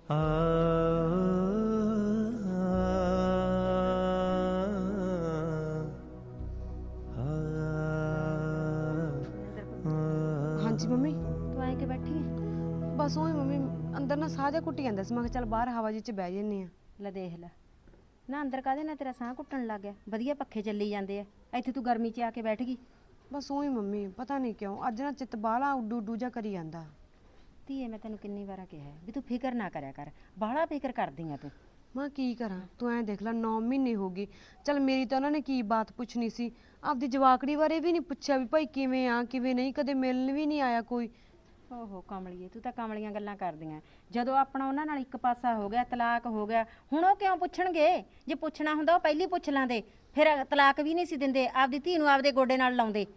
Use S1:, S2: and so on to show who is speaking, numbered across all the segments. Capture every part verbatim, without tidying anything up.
S1: ਹਾਂਜੀ ਮੰਮੀ।
S2: ਤੂੰ ਆਏ ਕੇ ਬੈਠੀ ਹੈ?
S1: ਬਸ ਉਹੀ ਮੰਮੀ, ਅੰਦਰ ਨਾ ਸਾਹ ਜਿਹਾ ਘੁੱਟੀ ਜਾਂਦਾ ਸੀ। ਮੈਂ ਕਿਹਾ ਚੱਲ ਬਾਹਰ ਹਵਾ ਜੀ ਚ ਬਹਿ ਜੰਨੀ ਆ।
S2: ਲੈ ਦੇਖ ਲੈ ਨਾ, ਅੰਦਰ ਕਾਹਦੇ ਨਾਲ ਤੇਰਾ ਸਾਹ ਘੁੱਟਣ ਲੱਗ ਗਿਆ? ਵਧੀਆ ਪੱਖੇ ਚੱਲੀ ਜਾਂਦੇ ਆ, ਇੱਥੇ ਤੂੰ ਗਰਮੀ 'ਚ ਆ ਕੇ ਬੈਠ ਗਈ।
S1: ਬਸ ਉਹੀ ਮੰਮੀ, ਪਤਾ ਨਹੀਂ ਕਿਉਂ ਅੱਜ ਨਾ ਚਿੱਤ ਬਾਹਲਾ ਉੱਡੂ ਉੱਡੂ ਜਿਹਾ ਕਰੀ ਜਾਂਦਾ।
S2: ਧੀਏ ਮੈਂ ਤੈਨੂੰ ਕਿੰਨੀ ਵਾਰ ਕਿਹਾ ਵੀ ਤੂੰ ਫਿਕਰ ਨਾ ਕਰਿਆ ਕਰ, ਬਾਹਲਾ ਫਿਕਰ ਕਰਦੀ ਆ ਤੂੰ।
S1: ਮੈਂ ਕੀ ਕਰਾਂ, ਤੂੰ ਐਂ ਦੇਖ ਲੈ ਨੌ ਮਹੀਨੇ ਹੋ ਗਏ। ਚੱਲ ਮੇਰੀ ਤਾਂ ਉਹਨਾਂ ਨੇ ਕੀ ਬਾਤ ਪੁੱਛਣੀ ਸੀ, ਆਪਦੀ ਜਵਾਕੜੀ ਬਾਰੇ ਵੀ ਨਹੀਂ ਪੁੱਛਿਆ ਵੀ ਭਾਈ ਕਿਵੇਂ ਆ ਕਿਵੇਂ ਨਹੀਂ, ਕਦੇ ਮਿਲਣ ਵੀ ਨਹੀਂ ਆਇਆ ਕੋਈ।
S2: ਓਹੋ ਕਮਲੀਏ, ਤੂੰ ਤਾਂ ਕਮਲੀਆਂ ਗੱਲਾਂ ਕਰਦੀਆਂ। ਜਦੋਂ ਆਪਣਾ ਉਹਨਾਂ ਨਾਲ ਇੱਕ ਪਾਸਾ ਹੋ ਗਿਆ, ਤਲਾਕ ਹੋ ਗਿਆ, ਹੁਣ ਉਹ ਕਿਉਂ ਪੁੱਛਣਗੇ? ਜੇ ਪੁੱਛਣਾ ਹੁੰਦਾ ਉਹ ਪਹਿਲੀ ਪੁੱਛ ਲਾਂਦੇ, ਫਿਰ ਤਲਾਕ ਵੀ ਨਹੀਂ ਸੀ ਦਿੰਦੇ, ਆਪਦੀ ਧੀ ਨੂੰ ਆਪਦੇ ਗੋਡੇ ਨਾਲ ਲਾਉਂਦੇ।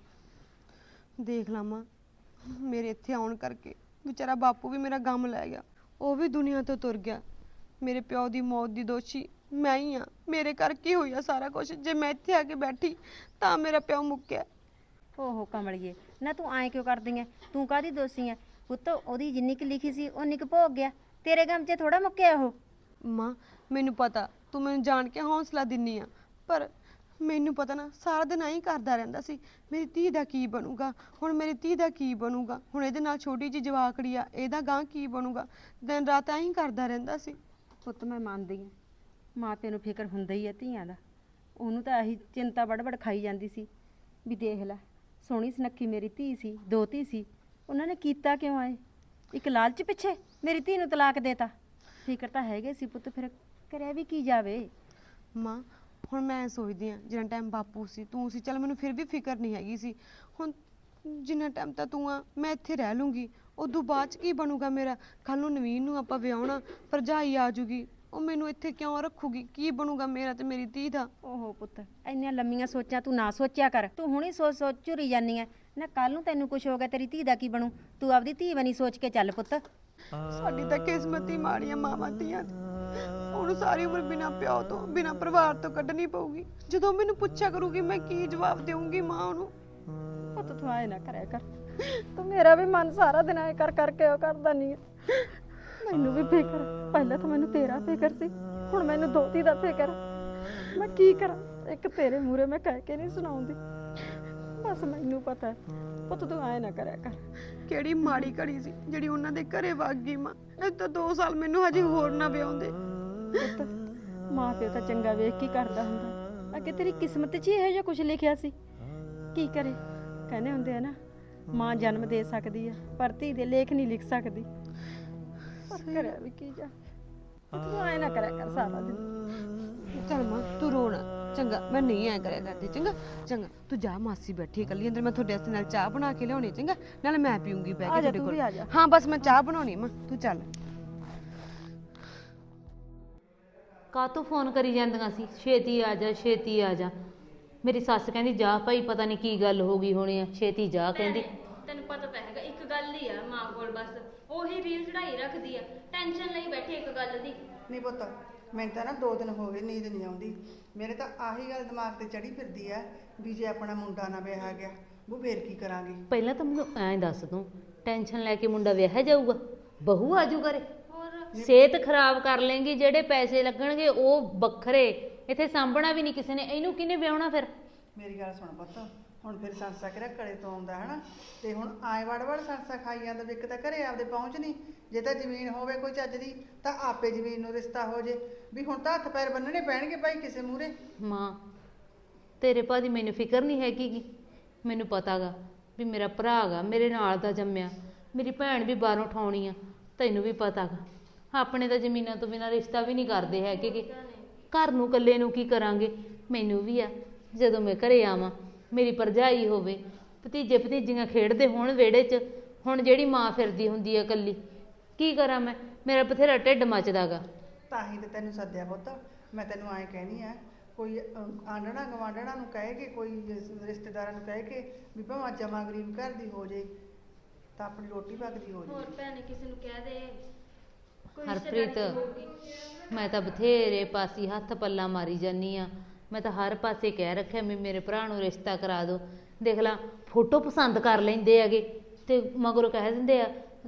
S1: ਦੇਖ ਲਾ ਮਾਂ, ਮੇਰੇ ਇੱਥੇ ਆਉਣ ਕਰਕੇ ਵਿਚਾਰਾ ਬਾਪੂ ਵੀ ਮੇਰਾ ਗਮ ਲੈ ਗਿਆ, ਉਹ ਵੀ ਦੁਨੀਆ ਤੋਂ ਤੁਰ ਗਿਆ। ਮੇਰੇ ਪਿਓ ਦੀ ਮੌਤ ਦੀ ਦੋਸ਼ੀ ਮੈਂ ਹੀ ਆ, ਮੇਰੇ ਕਰਕੇ ਹੋਇਆ ਸਾਰਾ ਕੁਝ। ਜੇ ਮੈਂ ਇੱਥੇ ਆ ਕੇ ਬੈਠੀ ਤਾਂ ਮੇਰਾ ਪਿਓ ਮੁੱਕਿਆ।
S2: ਓਹੋ ਕਮਲੀਏ, ਨਾ ਤੂੰ ਐਂ ਕਿਉਂ ਕਰਦੀ ਐ? ਤੂੰ ਕਾਹਦੀ ਦੋਸ਼ੀ ਐ? ਪੁੱਤ ਉਹਦੀ ਜਿੰਨੀ ਕੁ ਲਿਖੀ ਸੀ ਉਨੀ ਕੁ ਭੋਗ ਗਿਆ, ਤੇਰੇ ਗਮ 'ਚ ਥੋੜਾ ਮੁੱਕਿਆ ਉਹ।
S1: ਮਾਂ ਮੈਨੂੰ ਪਤਾ ਤੂੰ ਮੈਨੂੰ ਜਾਣ ਕੇ ਹੌਸਲਾ ਦਿੰਨੀ ਆ, ਪਰ ਮੈਨੂੰ ਪਤਾ ਨਾ ਸਾਰਾ ਦਿਨ ਐਂ ਕਰਦਾ ਰਹਿੰਦਾ ਸੀ ਮੇਰੀ ਧੀ ਦਾ ਕੀ ਬਣੂਗਾ, ਹੁਣ ਮੇਰੀ ਧੀ ਦਾ ਕੀ ਬਣੂਗਾ, ਹੁਣ ਇਹਦੇ ਨਾਲ ਛੋਟੀ ਜਿਹੀ ਜਵਾਕੜੀ ਆ, ਇਹਦਾ ਗਾਂ ਕੀ ਬਣੂਗਾ। ਦਿਨ ਰਾਤ ਐਂ ਕਰਦਾ ਰਹਿੰਦਾ ਸੀ।
S2: ਪੁੱਤ ਮੈਂ ਮੰਨਦੀ ਆ, ਮਾਂ ਤੈਨੂੰ ਫਿਕਰ ਹੁੰਦਾ ਹੀ ਆ ਧੀਆਂ ਦਾ। ਉਹਨੂੰ ਤਾਂ ਇਹੀ ਚਿੰਤਾ ਬੜਬੜ ਖਾਈ ਜਾਂਦੀ ਸੀ ਵੀ ਦੇਖ ਲੈ ਸੋਹਣੀ ਸੁਨੱਖੀ ਮੇਰੀ ਧੀ ਸੀ, ਦੋ ਧੀ ਸੀ, ਉਹਨਾਂ ਨੇ ਕੀਤਾ ਕਿਉਂ ਆਏ? ਇੱਕ ਲਾਲਚ ਪਿੱਛੇ ਮੇਰੀ ਧੀ ਨੂੰ ਤਲਾਕ ਦੇਤਾ। ਫਿਕਰ ਤਾਂ ਹੈਗੇ ਸੀ ਪੁੱਤ, ਫਿਰ ਕਰਿਆ ਵੀ ਕੀ ਜਾਵੇ।
S1: ਮਾਂ ਹੁਣ ਮੈਂ ਸੋਚਦੀ ਆ ਜਿੰਨਾ ਟਾਈਮ ਬਾਪੂ ਸੀ ਤੂੰ ਸੀ, ਚੱਲ ਮੈਨੂੰ ਫਿਰ ਵੀ ਫਿਕਰ ਨਹੀਂ ਹੈਗੀ ਸੀ। ਹੁਣ ਜਿੰਨਾ ਟਾਈਮ ਤਾਂ ਤੂੰ ਆ ਮੈਂ ਇੱਥੇ ਰਹਿ ਲੂੰਗੀ, ਉਦੋਂ ਬਾਅਦ 'ਚ ਕੀ ਬਣੂਗਾ ਮੇਰਾ? ਕੱਲ ਨੂੰ ਨਵੀਨ ਨੂੰ ਆਪਾਂ ਵਿਆਹੁਣਾ, ਭਰਜਾਈ ਆ ਜੂਗੀ, ਉਹ ਮੈਨੂੰ ਇੱਥੇ ਕਿਉਂ ਰੱਖੂਗੀ? ਕੀ ਬਣੂਗਾ ਮੇਰਾ ਤੇ ਮੇਰੀ ਧੀ ਦਾ?
S2: ਓਹੋ ਪੁੱਤ, ਇੰਨੀਆਂ ਲੰਮੀਆਂ ਸੋਚਾਂ ਤੂੰ ਨਾ ਸੋਚਿਆ ਕਰ। ਤੂੰ ਹੁਣੀ ਸੋਚ ਸੋਚ ਝੁਰੀ ਜਾਨੀ ਐ ਨਾ, ਕੱਲ ਨੂੰ ਤੈਨੂੰ ਕੁਝ ਹੋ ਗਿਆ ਤੇਰੀ ਧੀ ਦਾ ਕੀ ਬਣੂ? ਤੂੰ ਆਪਦੀ ਧੀ ਬਣੀ ਸੋਚ ਕੇ ਚੱਲ ਪੁੱਤ।
S1: ਸਾਡੀ ਤਾਂ ਕਿਸਮਤ ਹੀ ਮਾੜੀਆਂ ਮਾਵਾਂ ਧੀਆਂ ਦੀ। ਉਹਨੂੰ ਸਾਰੀ ਉਮਰ ਬਿਨਾਂ ਪਿਓ ਤੋਂ ਬਿਨਾਂ ਪਰਿਵਾਰ ਤੋਂ ਕੱਢਣੀ ਪਊਗੀ। ਜਦੋਂ ਮੈਨੂੰ ਪੁੱਛਿਆ ਕਰੂਗੀ ਮੈਂ ਕੀ ਜਵਾਬ ਦੇਵਾਂਗੀ ਮਾਂ ਉਹਨੂੰ?
S2: ਪੁੱਤ ਤੂੰ ਆਏ ਨਾ ਕਰਿਆ ਕਰ, ਤੂੰ ਮੇਰਾ ਵੀ ਮਨ ਸਾਰਾ ਦਿਨ ਆਏ ਕਰ ਕਰਕੇ ਉਹ ਕਰਦਾ ਨਹੀਂ। ਮੈਨੂੰ ਵੀ ਫਿਕਰ, ਪਹਿਲਾਂ ਤਾਂ ਮੈਨੂੰ ਤੇਰਾ ਫਿਕਰ ਸੀ, ਹੁਣ ਮੈਨੂੰ ਦੋਤੀ ਦਾ ਫਿਕਰ। ਮੈਂ ਕੀ ਕਰਾਂ? ਇੱਕ ਤੇਰੇ ਮੂਹਰੇ ਮੈਂ ਕਹਿ ਕੇ ਨਹੀਂ ਸੁਣਾਉਂਦੀ, ਬਸ ਮੈਨੂੰ ਪਤਾ। ਪੁੱਤ ਤੂੰ ਆਏ ਨਾ ਕਰਿਆ ਕਰ।
S1: ਕਿਹੜੀ ਮਾੜੀ ਘੜੀ ਸੀ ਜਿਹੜੀ ਉਹਨਾਂ ਦੇ ਘਰੇ ਵਗ ਗਈ ਮਾਂ। ਇਹ ਤਾਂ ਦੋ ਸਾਲ ਮੈਨੂੰ ਹਜੇ ਹੋਰ ਨਾ ਵਿਆਉਂਦੇ।
S2: ਪੁੱਤ ਮਾਂ ਪਿਓ ਤਾਂ ਚੰਗਾ ਵੇਖ ਕੇ ਕਰਦਾ ਹੁੰਦਾ, ਅੱਗੇ ਤੇਰੀ ਕਿਸਮਤ 'ਚ ਹੀ ਇਹੋ ਜਿਹਾ ਕੁਝ ਲਿਖਿਆ ਸੀ। ਕੀ ਕਰੇ, ਕਹਿੰਦੇ ਹੁੰਦੇ ਆ ਨਾ ਮਾਂ ਜਨਮ ਦੇ ਸਕਦੀ ਆ ਪਰ ਧੀ ਦੇ ਲੇਖ ਨਹੀਂ ਲਿਖ ਸਕਦੀ। ਪਰ ਕਰਿਆ ਵੀ ਕੀ ਜਾ, ਤੂੰ ਆਏ ਨਾ ਕਰਿਆ ਕਰ ਸਾਰਾ ਦਿਨ।
S1: ਚੱਲ ਮਾਂ ਤੂੰ ਰੋਣਾ, ਚੰਗਾ ਮੈਂ ਨਹੀਂ ਐ ਕਰਿਆ ਕਰਦੀ। ਚੰਗਾ ਚੰਗਾ ਤੂੰ ਜਾ, ਮਾਸੀ ਬੈਠੀ ਇਕੱਲੀ ਅੰਦਰ, ਮੈਂ ਤੁਹਾਡੇ ਵਾਸਤੇ ਨਾਲ ਚਾਹ ਬਣਾ ਕੇ ਲਿਆਉਣੀ। ਚੰਗਾ ਨਾਲ ਮੈਂ ਪੀਉਂਗੀ ਬਹਿ ਕੇ ਤੁਹਾਡੇ ਕੋਲ। ਹਾਂ ਬਸ ਮੈਂ ਚਾਹ ਬਣਾਉਣੀ ਮਾਂ, ਤੂੰ ਚੱਲ।
S3: ਕਾਹਤੋਂ ਫੋਨ ਕਰੀ ਜਾਂਦੀਆਂ ਸੀ ਛੇਤੀ ਆ ਜਾ ਛੇਤੀ ਆ ਜਾ? ਮੇਰੀ ਸੱਸ ਕਹਿੰਦੀ ਜਾ ਭਾਈ, ਪਤਾ ਨਹੀਂ ਕੀ ਗੱਲ ਹੋ ਗਈ ਹੋਣੀ ਆ, ਛੇਤੀ ਜਾ ਕਹਿੰਦੀ।
S4: ਤੈਨੂੰ ਪਤਾ ਤਾਂ ਹੈਗਾ ਇੱਕ ਗੱਲ ਹੀ ਆ ਮਾਂ ਕੋਲ, ਬਸ ਉਹੀ ਰੀਲ ਚੜਾਈ ਰੱਖਦੀ ਆ, ਟੈਨਸ਼ਨ ਲਈ ਬੈਠੀ ਇੱਕ ਗੱਲ ਦੀ।
S5: ਨਹੀਂ ਪੁੱਤ, ਮੈਨੂੰ ਤਾਂ ਨਾ ਦੋ ਦਿਨ ਹੋ ਗਏ ਨੀਂਦ ਨਹੀਂ ਆਉਂਦੀ। ਮੇਰੇ ਤਾਂ ਆਹੀ ਗੱਲ ਦਿਮਾਗ ਤੇ ਚੜੀ ਫਿਰਦੀ ਆ ਵੀ ਜੇ ਆਪਣਾ ਮੁੰਡਾ ਨਾ ਵਿਆਹ ਗਿਆ ਉਹ ਫੇਰ ਕੀ ਕਰਾਂਗੇ।
S3: ਪਹਿਲਾਂ ਤਾਂ ਮੈਨੂੰ ਐਂ ਦੱਸ ਤੂੰ, ਟੈਨਸ਼ਨ ਲੈ ਕੇ ਮੁੰਡਾ ਵਿਆਹਿਆ ਜਾਊਗਾ? ਬਹੂ ਆਜੂ ਕਰੇ? ਸਿਹਤ ਖਰਾਬ ਕਰ ਲੇਂਗੀ, ਜਿਹੜੇ ਪੈਸੇ ਲੱਗਣਗੇ ਉਹ ਵੱਖਰੇ, ਇੱਥੇ ਸਾਂਭਣਾ ਵੀ ਨਹੀਂ ਕਿਸੇ ਨੇ, ਇਹਨੂੰ ਕਿਹਨੇ ਵਿਆਹੁਣਾ ਫਿਰ?
S5: ਮੇਰੀ ਗੱਲ ਸੁਣ ਪੁੱਤ, ਹੁਣ ਫਿਰ ਸੰਸਾ ਕਿਹੜਾ ਕਲੇ ਤੋਂ ਆਉਂਦਾ ਹਨਾ, ਤੇ ਹੁਣ ਆਏ ਵੜ ਵੜ ਸੰਸਾ ਖਾਈ ਜਾਂਦਾ ਵੀ ਇੱਕ ਤਾਂ ਘਰੇ ਆਪਦੇ ਪਹੁੰਚ ਨਹੀਂ। ਜੇ ਤਾਂ ਜ਼ਮੀਨ ਹੋਵੇ ਕੋਈ ਚੱਜ ਦੀ ਤਾਂ ਆਪੇ ਜ਼ਮੀਨ ਨੂੰ ਰਿਸ਼ਤਾ ਹੋ ਜੇ, ਵੀ ਹੁਣ ਤਾਂ ਹੱਥ ਪੈਰ ਬੰਨਣੇ ਪੈਣਗੇ ਭਾਈ ਕਿਸੇ ਮੂਹਰੇ।
S3: ਮਾਂ ਤੇਰੇ ਭਾ ਦੀ ਮੈਨੂੰ ਫਿਕਰ ਨਹੀਂ ਹੈਗੀ ਗੀ, ਮੈਨੂੰ ਪਤਾ ਗਾ ਵੀ ਮੇਰਾ ਭਰਾ ਗਾ ਮੇਰੇ ਨਾਲ ਦਾ ਜੰਮਿਆ, ਮੇਰੀ ਭੈਣ ਵੀ ਬਾਹਰੋਂ ਠਾਉਣੀ ਆ, ਤੈਨੂੰ ਵੀ ਪਤਾ ਗਾ। ਆਪਣੇ ਤਾਂ ਜ਼ਮੀਨਾਂ ਤੋਂ ਬਿਨਾਂ ਰਿਸ਼ਤਾ ਵੀ ਨਹੀਂ ਕਰਦੇ ਹੈਗੇ ਗੇ, ਘਰ ਨੂੰ ਇਕੱਲੇ ਨੂੰ ਕੀ ਕਰਾਂਗੇ? ਮੈਨੂੰ ਵੀ ਆ ਜਦੋਂ ਮੈਂ ਘਰੇ ਆਵਾਂ ਮੇਰੀ ਭਰਜਾਈ ਹੋਵੇ, ਭਤੀਜੇ ਭਤੀਜੀਆਂ ਖੇਡਦੇ ਹੋਣ ਵਿਹੜੇ 'ਚ, ਹੁਣ ਜਿਹੜੀ ਮਾਂ ਫਿਰਦੀ ਹੁੰਦੀ ਆ ਇਕੱਲੀ, ਕੀ ਕਰਾਂ ਮੈਂ? ਮੇਰਾ ਬਥੇਰਾ ਢਿੱਡ ਮੱਚਦਾ ਗਾ।
S5: ਤਾਂ ਹੀ ਤੇ ਤੈਨੂੰ ਸੱਦਿਆ ਪੁੱਤ, ਮੈਂ ਤੈਨੂੰ ਐਂ ਕਹਿਣੀ ਆ ਕੋਈ ਆਂਢਣਾ ਗਵਾਂਢਣਾ ਨੂੰ ਕਹਿ ਕੇ, ਕੋਈ ਰਿਸ਼ਤੇਦਾਰਾਂ ਨੂੰ ਕਹਿ ਕੇ ਵੀ ਭਾਵੇਂ ਜਮਾ ਗਰੀਬ ਘਰ ਦੀ ਹੋ ਜੇ ਤਾਂ ਆਪਣੀ ਰੋਟੀ ਪੱਕਦੀ ਹੋ ਜੇ।
S4: ਹੋਰ ਭੈਣੇ ਕਿਸੇ ਨੂੰ ਕਹਿ ਦੇ ਕੋਈ
S3: ਹਰਪ੍ਰੀਤ,
S4: ਰਿਸ਼ਤੇਦਾਰੀ 'ਚ ਹੋਊਗੀ।
S3: ਮੈਂ ਤਾਂ ਬਥੇਰੇ ਪਾਸੇ ਹੱਥ ਪੱਲਾ ਮਾਰੀ ਜਾਨੀ ਆ, ਮੈਂ ਤਾਂ ਹਰ ਪਾਸੇ ਕਹਿ ਰੱਖਿਆ ਵੀ ਮੇਰੇ ਭਰਾ ਨੂੰ ਰਿਸ਼ਤਾ ਕਰਾ ਦਿਓ। ਦੇਖ ਲਾ ਫੋਟੋ ਪਸੰਦ ਕਰ ਲੈਂਦੇ ਹੈਗੇ ਤੇ ਮਗਰੋਂ ਕਹਿ ਦਿੰਦੇ ਆ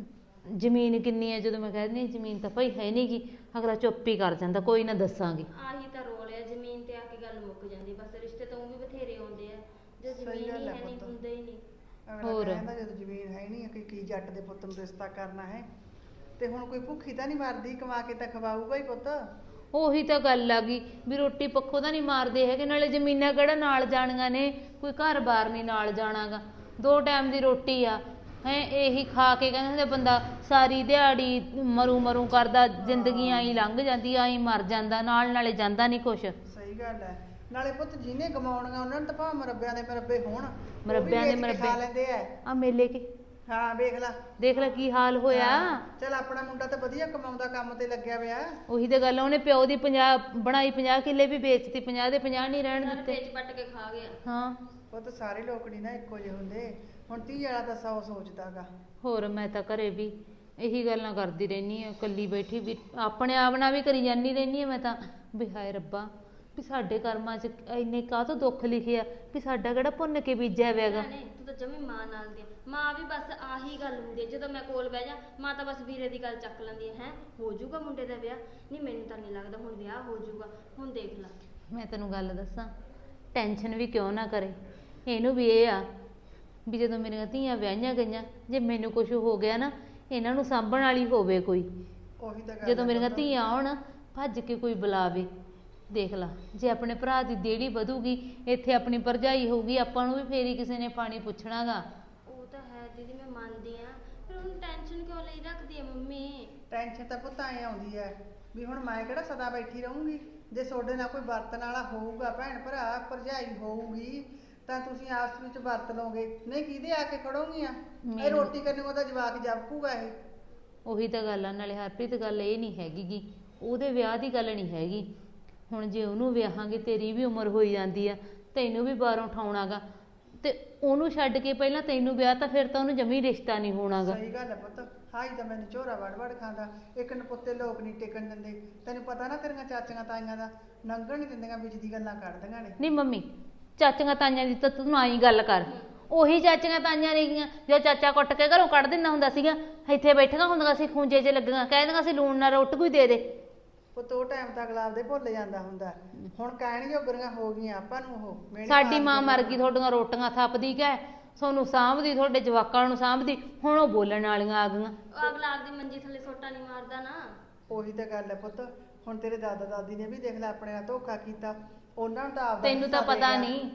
S3: ਜ਼ਮੀਨ ਕਿੰਨੀ ਹੈ, ਜਦੋਂ ਮੈਂ ਕਹਿ ਦਿੰਦੀ ਹਾਂ ਜ਼ਮੀਨ ਤਾਂ ਭਾਈ ਹੈ ਨਹੀਂ ਗੀ, ਅਗਲਾ ਚੁੱਪ ਹੀ ਕਰ ਜਾਂਦਾ, ਕੋਈ ਨਾ ਦੱਸਾਂਗੀ।
S4: ਆਹੀ ਤਾਂ ਰੋਲ ਹੈ, ਜ਼ਮੀਨ ਤੇ ਆ ਕੇ ਗੱਲ ਮੁੱਕ ਜਾਂਦੀ ਬਸ। ਰਿਸ਼ਤੇ ਤਾਂ ਊਂ ਵੀ ਬਥੇਰੇ ਆਉਂਦੇ ਆ, ਜੇ
S5: ਸਹੀ
S4: ਜ਼ਮੀਨ
S5: ਗੱਲ
S4: ਹੀ
S5: ਹੈ
S4: ਹੈ ਨਹੀਂ
S5: ਪੁੱਤ।
S4: ਹੁੰਦੇ ਹੀ ਨਹੀਂ।
S5: ਅਗਲਾ
S3: ਹੋਰ।
S5: ਕਹਿੰਦਾ ਜਦੋਂ ਜ਼ਮੀਨ ਹੈ ਨਹੀਂ ਕਿ ਕੀ ਜੱਟ ਦੇ ਪੁੱਤ ਨੂੰ ਰਿਸ਼ਤਾ ਕਰਨਾ ਹੈ। ਤੇ ਹੁਣ ਕੋਈ ਭੁੱਖੀ ਤਾਂ ਨਹੀਂ ਮਰਦੀ, ਕਮਾ ਕੇ ਤਾਂ ਖਵਾਊਗਾ ਹੀ ਪੁੱਤ।
S3: ਉਹੀ ਤਾਂ ਗੱਲ ਆ ਗਈ ਵੀ ਰੋਟੀ ਪੱਖੋਂ ਤਾਂ ਨਹੀਂ ਮਾਰਦੇ ਹੈਗੇ, ਨਾਲੇ ਜ਼ਮੀਨਾਂ ਕਿਹੜਾ ਨਾਲ ਜਾਣੀਆਂ ਨੇ, ਕੋਈ ਘਰ-ਬਾਰ ਨਹੀਂ ਨਾਲ ਜਾਣਾਗਾ, ਦੋ ਟਾਈਮ ਦੀ ਰੋਟੀ ਆ ਹੈ। ਇਹੀ ਖਾ ਕੇ ਕਹਿੰਦੇ ਹੁੰਦੇ ਬੰਦਾ ਸਾਰੀ ਦਿਹਾੜੀ ਮਰੂ ਮਰੂ ਕਰਦਾ, ਜ਼ਿੰਦਗੀ ਆਈ ਲੰਘ ਜਾਂਦੀ, ਆਈ ਮਰ ਜਾਂਦਾ, ਨਾਲ ਨਾਲੇ ਜਾਂਦਾ ਨਹੀਂ ਕੁਛ।
S5: ਸਹੀ ਗੱਲ ਹੈ। ਨਾਲੇ ਪੁੱਤ ਜਿਹਨੇ ਕਮਾਉਣੀਆਂ ਉਹਨਾਂ ਨੂੰ ਤਾਂ ਭਾਵੇਂ ਮਰੱਬਿਆਂ ਦੇ ਮਰੱਬੇ ਹੋਣ, ਉਹ ਵੀ
S3: ਮਰੱਬਿਆਂ ਦੇ
S5: ਵੇਚ ਕੇ ਖਾ
S3: ਮਰੱਬੇ।
S5: ਲੈਂਦੇ ਆ।
S3: ਆ ਮੇਲੇ ਕੇ
S5: ਹਾਂ ਵੇਖ ਲੈ,
S3: ਦੇਖ ਲੈ ਕੀ ਹਾਲ ਹੋਇਆ।
S5: ਚਲ ਆਪਣਾ ਮੁੰਡਾ ਤਾਂ ਵਧੀਆ ਕਮਾਉਂਦਾ, ਕੰਮ ਤੇ ਲੱਗਿਆ ਪਿਆ।
S3: ਉਹੀ ਤਾਂ ਗੱਲ ਆ, ਉਹਨੇ ਪਿਓ ਦੀ ਪੰਜਾਹ ਬਣਾਈ, ਪੰਜਾਹ ਕਿੱਲੇ ਵੀ ਵੇਚਤੀ, ਪੰਜਾਹ ਦੇ ਪੰਜਾਹ ਨਹੀਂ ਰਹਿਣ
S4: ਨਾਲ
S3: ਦਿੱਤੇ।
S4: ਪੇਚ ਪੱਟ ਕੇ ਖਾ ਗਿਆ।
S3: ਹਾਂ
S5: ਪੁੱਤ ਸਾਰੇ ਲੋਕ ਨਹੀਂ ਨਾ ਇੱਕੋ ਜਿਹੇ ਹੁੰਦੇ। ਹੁਣ ਧੀ ਵਾਲਾ ਤਾਂ ਸੌ ਸੋਚਦਾਗਾ।
S3: ਹੋਰ ਮੈਂ ਤਾਂ ਘਰੇ ਵੀ ਇਹੀ ਗੱਲਾਂ ਕਰਦੀ ਰਹਿੰਦੀ ਆ, ਇਕੱਲੀ ਬੈਠੀ ਵੀ ਆਪਣੇ ਆਪ ਨਾਲ ਵੀ ਕਰੀ ਜਾਂਦੀ ਰਹਿੰਦੀ ਆ ਮੈਂ ਤਾਂ, ਵੀ ਹਾਏ ਰੱਬਾ ਵੀ ਸਾਡੇ ਕਰਮਾਂ 'ਚ ਇੰਨੇ ਕਾਹਤੋਂ ਦੁੱਖ ਲਿਖਿਆ, ਵੀ ਸਾਡਾ ਕਿਹੜਾ ਭੁੰਨ ਕੇ ਬੀਜਿਆ ਹੋਇਆਗਾ।
S4: ਭੈਣੇ ਤੂੰ ਤਾਂ ਜਮੀ ਮਾਂ ਨਾਲ ਦੀ ਆ। ਮਾਂ ਵੀ ਬਸ ਆਹੀ ਗੱਲ ਹੁੰਦੀ ਹੈ, ਜਦੋਂ ਮੈਂ ਕੋਲ ਬਹਿ ਜਾ ਮਾਂ ਤਾਂ ਬਸ ਵੀਰੇ ਦੀ ਗੱਲ ਚੱਕ ਲੈਂਦੀ ਹੈ। ਹੈ ਹੋ ਜਾਊਗਾ ਮੁੰਡੇ ਦਾ ਵਿਆਹ? ਨਹੀਂ ਮੈਨੂੰ ਤਾਂ ਨਹੀਂ ਲੱਗਦਾ ਹੁਣ ਵਿਆਹ ਹੋ ਜਾਊਗਾ। ਹੁਣ ਦੇਖ ਲੈ।
S3: ਮੈਂ ਤੈਨੂੰ ਗੱਲ ਦੱਸਾਂ, ਟੈਨਸ਼ਨ ਵੀ ਕਿਉਂ ਨਾ ਕਰੇ, ਇਹਨੂੰ ਵੀ ਇਹ ਆ ਵੀ ਜਦੋਂ ਮੇਰੀਆਂ ਧੀਆਂ ਵਿਆਹੀਆਂ ਗਈਆਂ, ਜੇ ਮੈਨੂੰ ਕੁਝ ਹੋ ਗਿਆ ਨਾ, ਇਹਨਾਂ ਨੂੰ ਸਾਂਭਣ ਵਾਲੀ ਹੋਵੇ ਕੋਈ।
S5: ਉਹੀ ਤਾਂ ਗੱਲ
S3: ਜਦੋਂ
S5: ਹੈ
S3: ਮੇਰੀਆਂ
S5: ਪੁੱਤ।
S3: ਧੀਆਂ ਆਉਣ ਭੱਜ ਕੇ ਕੋਈ ਬੁਲਾਵੇ। ਦੇਖ ਲਾ, ਜੇ ਆਪਣੇ ਭਰਾ ਦੀ ਦੇੜੀ ਵਧੂਗੀ, ਇੱਥੇ ਆਪਣੀ ਭਰਜਾਈ ਹੋਊਗੀ, ਆਪਾਂ ਨੂੰ ਵੀ ਫੇਰੀ ਕਿਸੇ ਨੇ ਪਾਣੀ ਪੁੱਛਣਾਗਾ।
S4: ਉਹ ਤਾਂ ਹੈ ਦੀਦੀ, ਮੈਂ ਮੰਨਦੀ ਆ, ਪਰ ਉਹਨੂੰ ਟੈਨਸ਼ਨ ਕਿਉਂ ਲਈ ਰੱਖਦੀ ਹੈ ਮੰਮੀ?
S5: ਟੈਨਸ਼ਨ ਤਾਂ ਪੁੱਤ ਐ ਆਉਂਦੀ ਹੈ ਵੀ ਹੁਣ ਮੈਂ ਕਿਹੜਾ ਸਦਾ ਬੈਠੀ ਰਹੂੰਗੀ। ਜੇ ਤੁਹਾਡੇ ਨਾਲ ਕੋਈ ਵਰਤਣ ਵਾਲਾ ਹੋਊਗਾ, ਭੈਣ ਭਰਾ ਭਰਜਾਈ ਹੋਊਗੀ, ਤਾਂ ਤੁਸੀਂ ਆਪਸ ਵਿੱਚ ਵਰਤ ਲਓਗੇ। ਨਹੀਂ ਕਿਹਦੇ ਆ ਕੇ ਖੜੋਗੀਆਂ? ਇਹ
S3: ਮੈਨੂੰ-
S5: ਰੋਟੀ ਕਰਨੀ ਉਹਦਾ ਜਵਾਕ ਜਾਪੂਗਾ ਇਹ।
S3: ਉਹੀ ਤਾਂ ਗੱਲ ਆ। ਨਾਲੇ ਹਰਪ੍ਰੀਤ ਗੱਲ ਇਹ ਨਹੀਂ ਹੈਗੀ ਗੀ, ਉਹਦੇ ਵਿਆਹ ਦੀ ਗੱਲ ਨਹੀਂ ਹੈਗੀ। ਹੁਣ ਜੇ ਉਹਨੂੰ ਵਿਆਹਾਂਗੇ, ਤੇਰੀ ਵੀ ਉਮਰ ਹੋਈ ਜਾਂਦੀ ਆ, ਤੈਨੂੰ ਵੀ ਬਾਹਰੋਂ ਉਠਾਉਣਾਗਾ, ਤੇ ਉਹਨੂੰ ਛੱਡ ਕੇ ਪਹਿਲਾਂ ਤੈਨੂੰ ਵਿਆਹ, ਤਾਂ ਫਿਰ ਤਾਂ ਉਹਨੂੰ ਜਮੀ ਰਿਸ਼ਤਾ ਨਹੀਂ ਹੋਣਾਗਾ।
S5: ਸਹੀ ਗੱਲ ਹੈ ਪੁੱਤ। ਹਾਈ ਤਾਂ ਮੈਨੂੰ ਝੋਰਾ ਵੜ ਵੜ ਖਾਂਦਾ। ਇੱਕ ਨਪੁੱਤੇ ਲੋਕ ਨਹੀਂ ਟਿਕਣ ਦਿੰਦੇ। ਤੈਨੂੰ ਪਤਾ ਨਾ ਤੇਰੀਆਂ ਚਾਚੀਆਂ ਤਾਈਆਂ ਦਾ ਲੰਘਣ ਨਹੀਂ ਦਿੰਦੀਆਂ, ਵਿੱਚ ਦੀ ਗੱਲਾਂ ਕੱਢਦੀਆਂ ਨੇ।
S3: ਨਹੀਂ ਮੰਮੀ, ਚਾਚੀਆਂ ਤਾਈਆਂ ਦੀ ਤਾਂ ਤੂੰ ਆਈ ਗੱਲ ਕਰ। ਉਹੀ ਚਾਚੀਆਂ ਤਾਈਆਂ ਨੇਗੀਆਂ ਜੋ ਚਾਚਾ ਕੁੱਟ ਕੇ ਘਰੋਂ ਕੱਢ ਦਿੰਦਾ ਹੁੰਦਾ ਸੀਗਾ, ਇੱਥੇ ਬੈਠੀਆਂ ਹੁੰਦੀਆਂ ਸੀ ਖੂੰਜੇ 'ਚ ਲੱਗੀਆਂ, ਕਹਿ ਦਿੰਦੀਆਂ ਸੀ ਲੂਣ ਨਾਲ ਰੋਟੀ ਕੋਈ ਦੇ ਦੇ।
S5: ਪੁੱਤ ਉਹ ਟਾਈਮ ਤਾਂ ਅਗਲਾ ਆਪਦੇ ਭੁੱਲ ਜਾਂਦਾ ਹੁੰਦਾ। ਹੁਣ ਕਹਿਣ ਜੋਗਰੀਆਂ ਹੋ ਗਈਆਂ ਆਪਾਂ ਨੂੰ ਉਹ ਮਿਹਣੇ
S3: ਸਾਡੀ ਮਾਂ
S5: ਮਾਰਦੀਆਂ
S3: ਮਰ ਗਈ, ਤੁਹਾਡੀਆਂ ਰੋਟੀਆਂ ਥੱਪਦੀ ਕਹਿ, ਤੁਹਾਨੂੰ ਸਾਂਭਦੀ, ਤੁਹਾਡੇ ਜਵਾਕਾਂ ਨੂੰ ਸਾਂਭਦੀ, ਹੁਣ ਉਹ ਬੋਲਣ ਵਾਲੀਆਂ ਆ ਗਈਆਂ।
S4: ਉਹ ਅਗਲਾ ਆਪਦੀ ਮੰਜੀ ਥੱਲੇ ਸੋਟਾ ਨਹੀਂ ਮਾਰਦਾ ਨਾ।
S5: ਉਹੀ ਤਾਂ ਗੱਲ ਹੈ ਪੁੱਤ। ਹੁਣ ਤੇਰੇ ਦਾਦਾ ਦਾਦੀ ਨੇ ਵੀ ਦੇਖ ਲੈ ਆਪਣੇ ਨਾਲ ਧੋਖਾ ਕੀਤਾ। ਉਹਨਾਂ ਨੂੰ ਤਾਂ ਆਪਦਾ
S3: ਤੈਨੂੰ ਤਾਂ
S5: ਹਿੱਸਾ
S3: ਪਤਾ
S5: ਦੇ ਗਿਆ।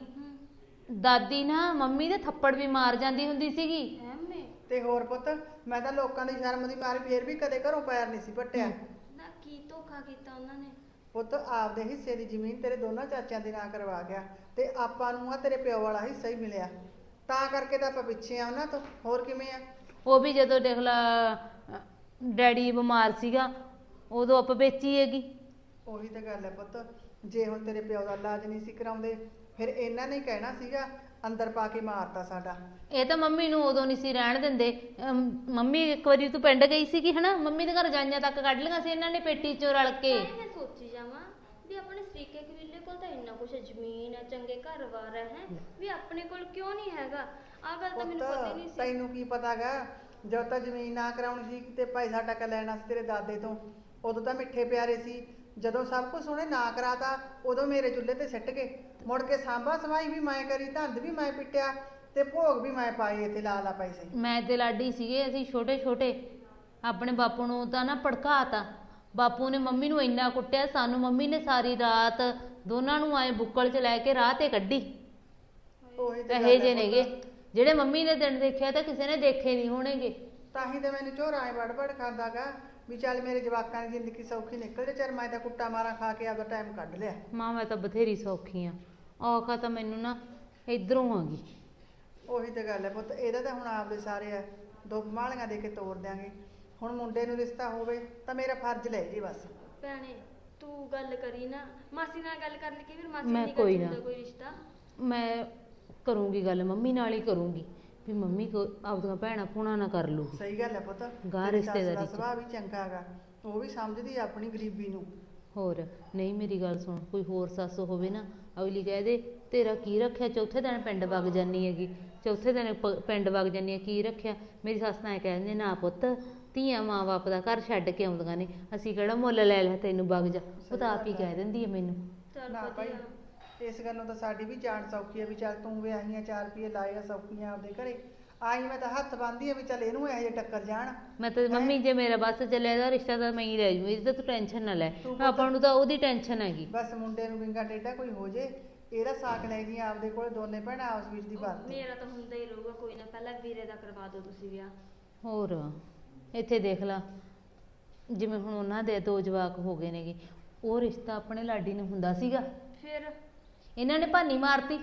S3: ਨਹੀਂ, ਦਾਦੀ ਨਾ ਮੰਮੀ ਦੇ ਥੱਪੜ ਵੀ ਮਾਰ ਜਾਂਦੀ ਹੁੰਦੀ ਸੀਗੀ।
S4: ਐਵੇਂ
S5: ਤੇ ਹੋਰ ਪੁੱਤ, ਮੈਂ ਤਾਂ ਲੋਕਾਂ ਦੀ ਸ਼ਰਮ ਦੀ ਮਾਰੀ ਫੇਰ ਵੀ ਕਦੇ ਘਰੋਂ ਪੈਰ ਨਹੀਂ ਸੀ ਪੱਟਿਆ।
S4: ਨਾ ਕੀ ਧੋਖਾ ਕੀਤਾ ਉਹਨਾਂ ਨੇ?
S5: ਪੁੱਤ ਆਪਦੇ ਹਿੱਸੇ ਦੀ ਜ਼ਮੀਨ ਤੇਰੇ ਦੋਨਾਂ ਚਾਚਿਆਂ ਦੇ ਨਾਂ ਕਰਵਾ ਗਿਆ, ਤੇ ਆਪਾਂ ਨੂੰ ਆ ਤੇਰੇ ਪਿਓ ਵਾਲਾ ਹਿੱਸਾ ਹੀ ਮਿਲਿਆ। ਤਾਂ ਕਰਕੇ ਤਾਂ ਆਪਾਂ ਪਿੱਛੇ ਆ ਉਹਨਾਂ ਤੋਂ। ਹੋਰ ਕਿਵੇਂ ਆ?
S3: ਉਹ ਵੀ ਜਦੋਂ ਦੇਖ ਲਾ ਅਹ, ਡੈਡੀ ਬਿਮਾਰ ਸੀਗਾ, ਉਦੋਂ ਆਪਾਂ ਵੇਚੀ ਹੈਗੀ।
S5: ਉਹੀ ਤਾਂ ਗੱਲ ਹੈ ਪੁੱਤ। ਜੇ ਹੁਣ ਤੇਰੇ ਪਿਓ ਦਾ ਇਲਾਜ ਨਹੀਂ ਸੀ ਕਰਾਉਂਦੇ, ਫਿਰ ਇਹਨਾਂ ਨੇ ਕਹਿਣਾ ਸੀਗਾ ਅੰਦਰ ਪਾ ਕੇ ਮਾਰਤਾ ਸਾਡਾ।
S3: ਇਹ ਤਾਂ ਮੰਮੀ ਨੂੰ ਉਦੋਂ ਨਹੀਂ ਸੀ ਰਹਿਣ ਦਿੰਦੇ। ਅਮ, ਮੰਮੀ ਇੱਕ ਵਾਰੀ ਤੂੰ ਪਿੰਡ ਗਈ ਸੀਗੀ ਹਨਾ, ਮੰਮੀ ਦੇ ਘਰ ਜਾਈਆਂ ਤੱਕ ਕੱਢ ਲਈਆਂ ਸੀ ਇਹਨਾਂ ਨੇ ਪੇਟੀ ਚੋਂ ਰਲ ਕੇ।
S4: ਤਾਂ ਹੀ ਮੈਂ ਸੋਚੀ ਜਾਵਾਂ ਵੀ ਆਪਣੇ ਸਰੀਕੇ ਕਬੀਲੇ ਕੋਲ ਤਾਂ ਇੰਨਾ ਕੁਛ ਜ਼ਮੀਨ ਹੈ, ਚੰਗੇ ਘਰ-ਬਾਰ ਹੈ, ਵੀ ਆਪਣੇ ਕੋਲ ਕਿਉਂ ਨਹੀਂ ਹੈਗਾ? ਆਹ ਗੱਲ ਤਾਂ ਮੈਨੂੰ ਪਤਾ ਹੀ ਨਹੀਂ
S5: ਪੁੱਤ
S4: ਸੀ।
S5: ਤੈਨੂੰ ਕੀ ਪਤਾਗਾ, ਜਦੋਂ ਤਾਂ ਜ਼ਮੀਨ ਨਾ ਕਰਾਉਣੀ ਸੀ ਤੇ ਪੈਸਾ ਟੱਕਾ ਲੈਣਾ ਸੀ ਤੇਰੇ ਦਾਦੇ ਤੋਂ, ਉਦੋਂ ਤਾਂ ਮਿੱਠੇ ਪਿਆਰੇ ਸੀ। ਜਦੋਂ ਸਭ ਕੁਝ ਉਹਨੇ ਨਾ ਕਰਾਤਾ, ਉਦੋਂ ਮੇਰੇ ਚੁੱਲ੍ਹੇ ਤੇ ਸਿੱਟ ਗਏ। ਮੁੜ ਕੇ ਸਾਂਭਾ ਸਵਾਈ ਵੀ ਮੈਂ ਕਰੀ, ਧੰਦ ਵੀ ਮੈਂ ਪਿੱਟਿਆ, ਤੇ ਭੋਗ ਵੀ ਮੈਂ ਪਾਏ ਇੱਥੇ ਲਾ ਲਾ ਪੈਸੇ।
S3: ਮੈਂ ਤੇ ਲਾਡੀ ਸੀਗੇ, ਅਸੀਂ ਛੋਟੇ ਛੋਟੇ, ਆਪਣੇ ਬਾਪੂ ਨੂੰ ਤਾਂ ਨਾ ਭੜਕਾਤਾ। ਬਾਪੂ ਨੇ ਮੰਮੀ ਨੂੰ ਇੰਨਾ ਕੁੱਟਿਆ, ਸਾਨੂੰ ਮੰਮੀ ਨੇ ਸਾਰੀ ਰਾਤ ਦੋਨਾਂ ਨੂੰ ਆਏ ਬੁੱਕਲ 'ਚ ਲੈ ਕੇ ਰਾਹ ਤੇ ਕੱਢੀ।
S5: ਉਹੀ ਤਾਂ
S3: ਇਹੇ
S5: ਗੱਲ
S3: ਜੇ
S5: ਹੈ
S3: ਨੇਗੇ
S5: ਪੁੱਤ।
S3: ਜਿਹੜੇ ਮੰਮੀ ਨੇ ਦਿਨ ਦੇਖਿਆ ਤਾਂ ਕਿਸੇ ਨੇ ਦੇਖੇ ਨਹੀਂ ਹੋਣਗੇ।
S5: ਤਾਂ ਹੀ ਤਾਂ ਮੈਨੂੰ ਝੋਰਾ ਐ ਵੜ ਵੜ ਖਾਂਦਾਗਾ ਵੀ ਚੱਲ ਮੇਰੇ ਜਵਾਕਾਂ ਦੀ ਜ਼ਿੰਦਗੀ ਸੌਖੀ ਨਿਕਲ ਜੇ। ਚੱਲ ਮੈਂ ਤਾਂ ਕੁੱਟਾ ਮਾਰਾਂ ਖਾ ਕੇ ਆਪਦਾ ਟਾਈਮ ਕੱਢ ਲਿਆ।
S3: ਮਾਂ ਮੈਂ ਤਾਂ ਬਥੇਰੀ ਸੌਖੀ ਆ, ਔਖਾ ਤਾਂ ਮੈਨੂੰ ਨਾ ਇਧਰੋਂ ਆ ਗਈ।
S5: ਉਹੀ ਤਾਂ ਗੱਲ ਹੈ ਪੁੱਤ। ਇਹਦਾ ਤਾਂ ਹੁਣ ਆਪਦੇ ਸਾਰੇ ਆ ਦੋ ਮਾਲੀਆਂ ਦੇ ਕੇ ਤੋੜ ਦਿਆਂਗੇ। ਹੁਣ ਮੁੰਡੇ ਨੂੰ ਰਿਸ਼ਤਾ ਹੋਵੇ ਤਾਂ ਮੇਰਾ ਫਰਜ਼ ਲੈ ਜੀ ਬਸ।
S4: ਭੈਣੇ ਤੂੰ ਗੱਲ ਕਰੀ ਨਾ, ਮਾਸੀ ਨਾਲ ਗੱਲ ਕਰ ਲਈ, ਕਿ ਫਿਰ ਮਾਸੀ
S3: ਮੈਂ
S4: ਨਹੀਂ
S3: ਕੋਈ
S4: ਕਰਦੀ
S3: ਨਾ।
S4: ਹੁੰਦਾ ਕੋਈ ਰਿਸ਼ਤਾ।
S3: ਮੈਂ ਕਰੂੰਗੀ ਗੱਲ ਮੰਮੀ ਨਾਲ ਹੀ ਕਰੂੰਗੀ, ਵੀ ਮੰਮੀ ਕੋ ਆਪਦੀਆਂ ਭੈਣਾਂ ਭੂਣਾਂ ਨਾ ਕਰ ਲੂਗੀ।
S5: ਸਹੀ ਗੱਲ ਹੈ ਪੁੱਤ।
S3: ਗਾਂਹ
S5: ਤੇਰੀ ਸੱਸ ਦਾ
S3: ਰਿਸ਼ਤੇਦਾਰੀ 'ਚ।
S5: ਸੁਭਾਅ ਵੀ ਚੰਗਾ ਹੈਗਾ, ਉਹ ਵੀ ਸਮਝਦੀ ਆ ਆਪਣੀ ਗਰੀਬੀ ਨੂੰ।
S3: ਹੋਰ ਨਹੀਂ, ਮੇਰੀ ਗੱਲ ਸੁਣ, ਕੋਈ ਹੋਰ ਸੱਸ ਹੋਵੇ ਨਾ, ਅਗਲੀ ਕਹਿ ਦੇ ਤੇਰਾ ਕੀ ਰੱਖਿਆ, ਚੌਥੇ ਦਿਨ ਪਿੰਡ ਵਗ ਜਾਨੀ ਹੈਗੀ, ਚੌਥੇ ਦਿਨ ਪ- ਪਿੰਡ ਵਗ ਜਾਨੀ ਹੈ, ਕੀ ਰੱਖਿਆ? ਮੇਰੀ ਸੱਸ ਤਾਂ ਐਂ ਕਹਿ ਦਿੰਦੀ, ਨਾ ਪੁੱਤ ਧੀਆਂ ਮਾਂ-ਬਾਪ ਦਾ ਘਰ ਛੱਡ ਕੇ ਆਉਂਦੀਆਂ ਨੇ, ਅਸੀਂ ਕਿਹੜਾ ਮੁੱਲ ਲੈ ਲਿਆ ਤੈਨੂੰ ਵਗ ਜਾ, ਉਹ ਤਾਂ ਆਪ ਹੀ ਕਹਿ ਦਿੰਦੀ ਹੈ ਮੈਨੂੰ।
S4: ਚੱਲ
S5: ਨਾ ਭਾਈ
S4: ਵਧੀਆ।
S5: ਇਸ ਗੱਲੋਂ ਤਾਂ ਸਾਡੀ ਵੀ ਜਾਨ ਸੌਖੀ ਹੈ ਵੀ ਚੱਲ ਤੂੰ ਵਿਆਹੀਆਂ ਚਾਰ ਰੁਪਏ ਲਾਏਗਾ ਸੌਖੀਆਂ ਆਪਦੇ ਘਰੇ। ਆਈ ਮੈਂ ਤਾਂ ਹੱਥ ਬੰਨ੍ਹਦੀ ਆ ਵੀ ਚੱਲ ਇਹਨੂੰ ਇਹੋ ਜਿਹੇ ਟੱਕਰ ਜਾਣ।
S3: ਮੈਂ ਤਾਂ ਮੰਮੀ ਜੇ ਮੇਰਾ ਬਸ ਚੱਲਿਆ ਇਹਦਾ ਰਿਸ਼ਤਾ ਤਾਂ ਮੈਂ ਹੀ ਲੈ ਜੂ, ਇਹਦੀ ਤਾਂ ਤੂੰ ਟੈਨਸ਼ਨ ਨਾ ਲੈ,
S5: ਤੂੰ
S3: ਆਪਾਂ ਨੂੰ ਤਾਂ ਉਹਦੀ ਟੈਨਸ਼ਨ ਹੈਗੀ।
S5: ਬਸ ਮੁੰਡੇ ਨੂੰ ਵਿੰਗਾ ਟੇਢਾ ਕੋਈ ਹੋ ਜੇ, ਇਹਦਾ ਸਾਕ ਲੈ ਜੀ ਆਪਦੇ ਕੋਲ, ਦੋਨੇ ਭੈਣਾਂ ਆਪਸ ਵਿੱਚ ਦੀ ਬਾਤ।
S4: ਮੇਰਾ ਤਾਂ ਹੁੰਦਾ ਹੀ ਰਹੂਗਾ, ਕੋਈ ਨਾ ਪਹਿਲਾਂ ਵੀਰੇ ਦਾ ਕਰਵਾ ਦਿਓ ਤੁਸੀਂ ਵਿਆਹ।
S3: ਹੋਰ ਇੱਥੇ ਦੇਖ ਲਾ, ਜਿਵੇਂ ਹੁਣ ਉਹਨਾਂ ਦੇ ਦੋ ਜਵਾਕ ਹੋ ਗਏ ਨੇਗੇ, ਉਹ ਰਿਸ਼ਤਾ ਆਪਣੇ ਲਾਡੀ ਨੂੰ ਹੁੰਦਾ ਸੀਗਾ,
S4: ਫਿਰ
S3: ਇਹਨਾਂ ਨੇ ਭਾਨੀ ਮਾਰਤੀ।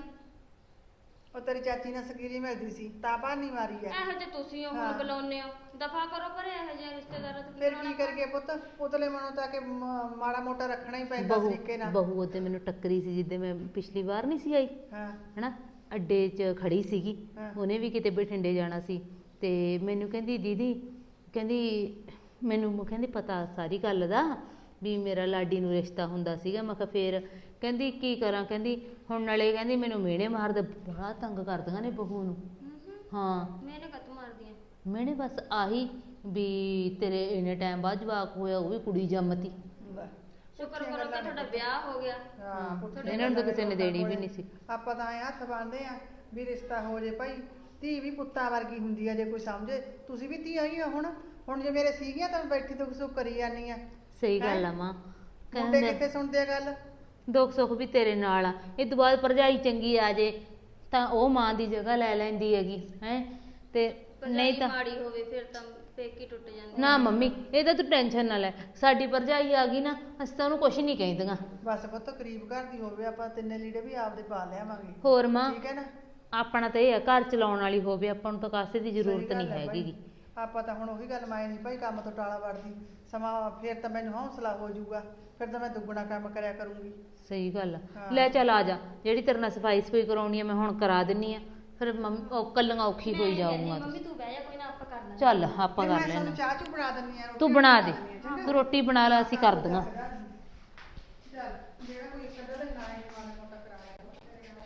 S5: ਉਹ ਤੇਰੀ ਚਾਚੀ ਨਾਲ ਸਕੀਰੀ ਮਿਲਦੀ ਸੀ ਤਾਂ ਭਾਨੀ ਮਾਰੀ ਐ।
S4: ਇਹੋ ਜਿਹੇ ਤੁਸੀਂ ਹੋ
S5: ਹਾਂ।
S4: ਹੁਣ ਬੁਲਾਉਂਦੇ ਹੋ, ਦਫਾ ਕਰੋ ਪਰੇ ਇਹੋ ਜਿਹੇ ਰਿਸ਼ਤੇਦਾਰਾਂ ਤੋਂ।
S5: ਫਿਰ ਕੀ ਕਰਕੇ ਪੁੱਤ, ਉਤਲੇ ਮਨੋਂ ਤਾਂ ਕਿ ਮ- ਮਾੜਾ ਮੋਟਾ ਰੱਖਣਾ ਹੀ ਪੈਂਦਾ
S3: ਬਹੂ
S5: ਤਰੀਕੇ ਨਾਲ।
S3: ਬਹੂ ਉਹਦੇ ਮੈਨੂੰ ਟੱਕਰੀ ਸੀ ਜਿੱਦੇ ਮੈਂ ਪਿਛਲੀ ਵਾਰ ਨਹੀਂ ਸੀ ਆਈ,
S5: ਹਾਂ
S3: ਹਨਾ, ਅੱਡੇ 'ਚ ਖੜੀ ਸੀਗੀ,
S5: ਹਾਂ।
S3: ਉਹਨੇ ਵੀ ਕਿਤੇ ਬਠਿੰਡੇ ਜਾਣਾ ਸੀ, ਤੇ ਮੈਨੂੰ ਕਹਿੰਦੀ ਦੀਦੀ, ਕਹਿੰਦੀ ਮੈਨੂੰ ਕਹਿੰਦੀ ਪਤਾ ਸਾਰੀ ਗੱਲ ਦਾ ਵੀ ਮੇਰਾ ਲਾਡੀ ਨੂੰ ਰਿਸ਼ਤਾ ਹੁੰਦਾ ਸੀਗਾ। ਮੈਂ ਕਿਹਾ ਫੇਰ, ਕਹਿੰਦੀ ਕੀ ਕਰਾਂ, ਕਹਿੰਦੀ ਹੁਣ ਨਾਲੇ ਕਹਿੰਦੀ ਮੈਨੂੰ ਮਿਹਣੇ ਮਾਰਦੇ, ਬੜਾ ਤੰਗ ਕਰਦੀਆਂ ਨੇ ਬਹੂ ਨੂੰ। ਹਾਂ
S4: ਮੈਨੇ ਕਤ ਮਾਰਦੀਆਂ।
S3: ਮਿਹਣੇ ਬਸ ਆਹੀ ਵੀ ਤੇਰੇ ਇੰਨੇ ਟਾਈਮ ਬਾਅਦ ਜਵਾਕ ਹੋਇਆ, ਉਹ ਵੀ ਕੁੜੀ ਜੰਮਤੀ।
S5: ਲੈ।
S4: ਸ਼ੁਕਰ ਕਰੋ ਕਿ ਤੁਹਾਡਾ ਵਿਆਹ ਹੋ ਗਿਆ।
S5: ਹਾਂ ਪੁੱਠੀਆਂ
S3: ਇਹਨਾਂ ਨੂੰ ਤਾਂ
S5: ਗੱਲਾਂ
S3: ਕਿਸੇ ਨੇ
S5: ਲੋਕਾਂ
S3: ਦੇਣੀ ਵੀ
S5: ਕੋਲੇ।
S3: ਨਹੀਂ ਸੀ।
S5: ਆਪਾਂ ਤਾਂ ਐਂ ਹੱਥ ਬੰਨਦੇ ਆ ਵੀ ਰਿਸ਼ਤਾ ਹੋ ਜੇ ਭਾਈ। ਧੀ ਵੀ ਪੁੱਤਾਂ ਵਰਗੀ ਹੁੰਦੀ ਆ ਜੇ ਕੋਈ ਸਮਝੇ। ਤੁਸੀਂ ਵੀ ਧੀਆਂ ਹੀ ਹੋ ਹੁਣ। ਹੁਣ ਜੇ ਮੇਰੇ ਸੀਗੀਆਂ ਤਾਂ ਮੈਂ ਬੈਠੀ ਦੁੱਖ ਸੁੱਖ ਕਰੀ ਜਾਂਦੀ ਆ।
S3: ਸਹੀ ਗੱਲ ਆ ਮਾਂ,
S5: ਮੁੰਡੇ
S3: ਕਹਿੰਦੇ
S5: ਕਿੱਥੇ ਸੁਣਦੇ ਆ ਗੱਲ।
S3: ਦੁੱਖ ਸੁੱਖ ਵੀ ਤੇਰੇ ਨਾਲ ਆ, ਇਹ ਤੋਂ ਬਾਅਦ ਭਰਜਾਈ ਚੰਗੀ ਆ ਜੇ ਤਾਂ ਉਹ ਮਾਂ ਦੀ ਜਗ੍ਹਾ ਲੈ ਲੈਂਦੀ ਹੈਗੀ ਹੈ, ਤੇ ਨਹੀਂ ਤਾਂ
S4: ਮਾੜੀ ਹੋਵੇ ਫਿਰ ਤਾਂ ਪੇਕੀ ਟੁੱਟ ਜਾਂਦੇ।
S3: ਨਾ ਮੰਮੀ, ਇਹ ਤਾਂ ਤੂੰ ਟੈਨਸ਼ਨ ਨਾ ਲੈ, ਸਾਡੀ ਭਰਜਾਈ ਆ ਗਈ ਨਾ, ਅਸੀਂ ਤਾਂ ਉਹਨੂੰ ਕੁਛ ਨਹੀਂ ਕਹਿੰਦੀਆਂ।
S5: ਬਸ ਪੁੱਤ ਗਰੀਬ ਘਰ ਦੀ ਹੋਵੇ, ਆਪਾਂ ਤਿੰਨੇ ਲੀੜੇ ਵੀ ਆਪਦੇ ਪਾ ਲਿਆਵਾਂਗੇ।
S3: ਹੋਰ ਮਾਂ,
S5: ਠੀਕ ਹੈ ਨਾ।
S3: ਆਪਣਾ ਤਾਂ ਇਹ ਆ ਘਰ ਚਲਾਉਣ ਵਾਲੀ ਹੋਵੇ, ਆਪਾਂ ਨੂੰ ਤਾਂ ਕਾਸੇ ਦੀ
S5: ਸਹੀ
S3: ਜ਼ਰੂਰਤ
S5: ਗੱਲ
S3: ਨਹੀਂ
S5: ਹੈ ਭਾਈ।
S3: ਹੈਗੀ।
S5: ਆਪਾਂ ਤਾਂ ਹੁਣ ਉਹੀ ਗੱਲ ਮਾਏ ਨਹੀਂ ਭਾਈ, ਕੰਮ ਤੋਂ ਟਾਲਾ ਵੜਦੀ ਸਮਾਂ ਫੇਰ ਤਾਂ ਮੈਨੂੰ ਹੌਸਲਾ ਹੋ ਜਾਊਗਾ, ਫਿਰ ਤਾਂ ਮੈਂ ਦੁੱਗਣਾ ਕੰਮ ਕਰਿਆ ਕਰੂੰਗੀ।
S3: ਸਹੀ ਗੱਲ ਆ।
S5: ਹਾਂ।
S3: ਲੈ ਚੱਲ ਆ ਜਾ, ਜਿਹੜੀ ਤੇਰੇ ਨਾਲ ਸਫਾਈ ਸਫਾਈ ਕਰਾਉਣੀ ਆ ਮੈਂ ਹੁਣ ਕਰਾ ਦਿੰਨੀ ਆ, ਫਿਰ ਮੰਮੀ ਉਹ ਕੱਲੀਆਂ ਔਖੀ ਹੋਈ ਜਾਊਗਾ।
S4: ਮੰਮੀ ਤੂੰ ਬਹਿ ਜਾ, ਕੋਈ ਨਾ ਆਪਾਂ ਕਰ ਲਾਂਗੇ।
S3: ਚੱਲ ਆਪਾਂ
S5: ਫਿਰ
S3: ਕਰ
S5: ਮੈਂ
S3: ਲੈਣਾ,
S5: ਤੁਹਾਨੂੰ ਚਾਹ ਚੂ ਬਣਾ ਦਿੰਨੀ ਆ।
S3: ਤੂੰ ਬਣਾ ਦੇ, ਤੂੰ ਰੋਟੀ ਬਣਾ ਲੈ, ਅਸੀਂ ਕਰ ਦਾਂਗਾ।
S5: ਚੱਲ ਜਿਹੜਾ ਕੋਈ ਇੱਕ ਅੱਧਾ ਦਿਨ ਆਏ ਮਾੜਾ ਮੋਟਾ ਕਰਾ ਲਿਆ ਕਰੋ।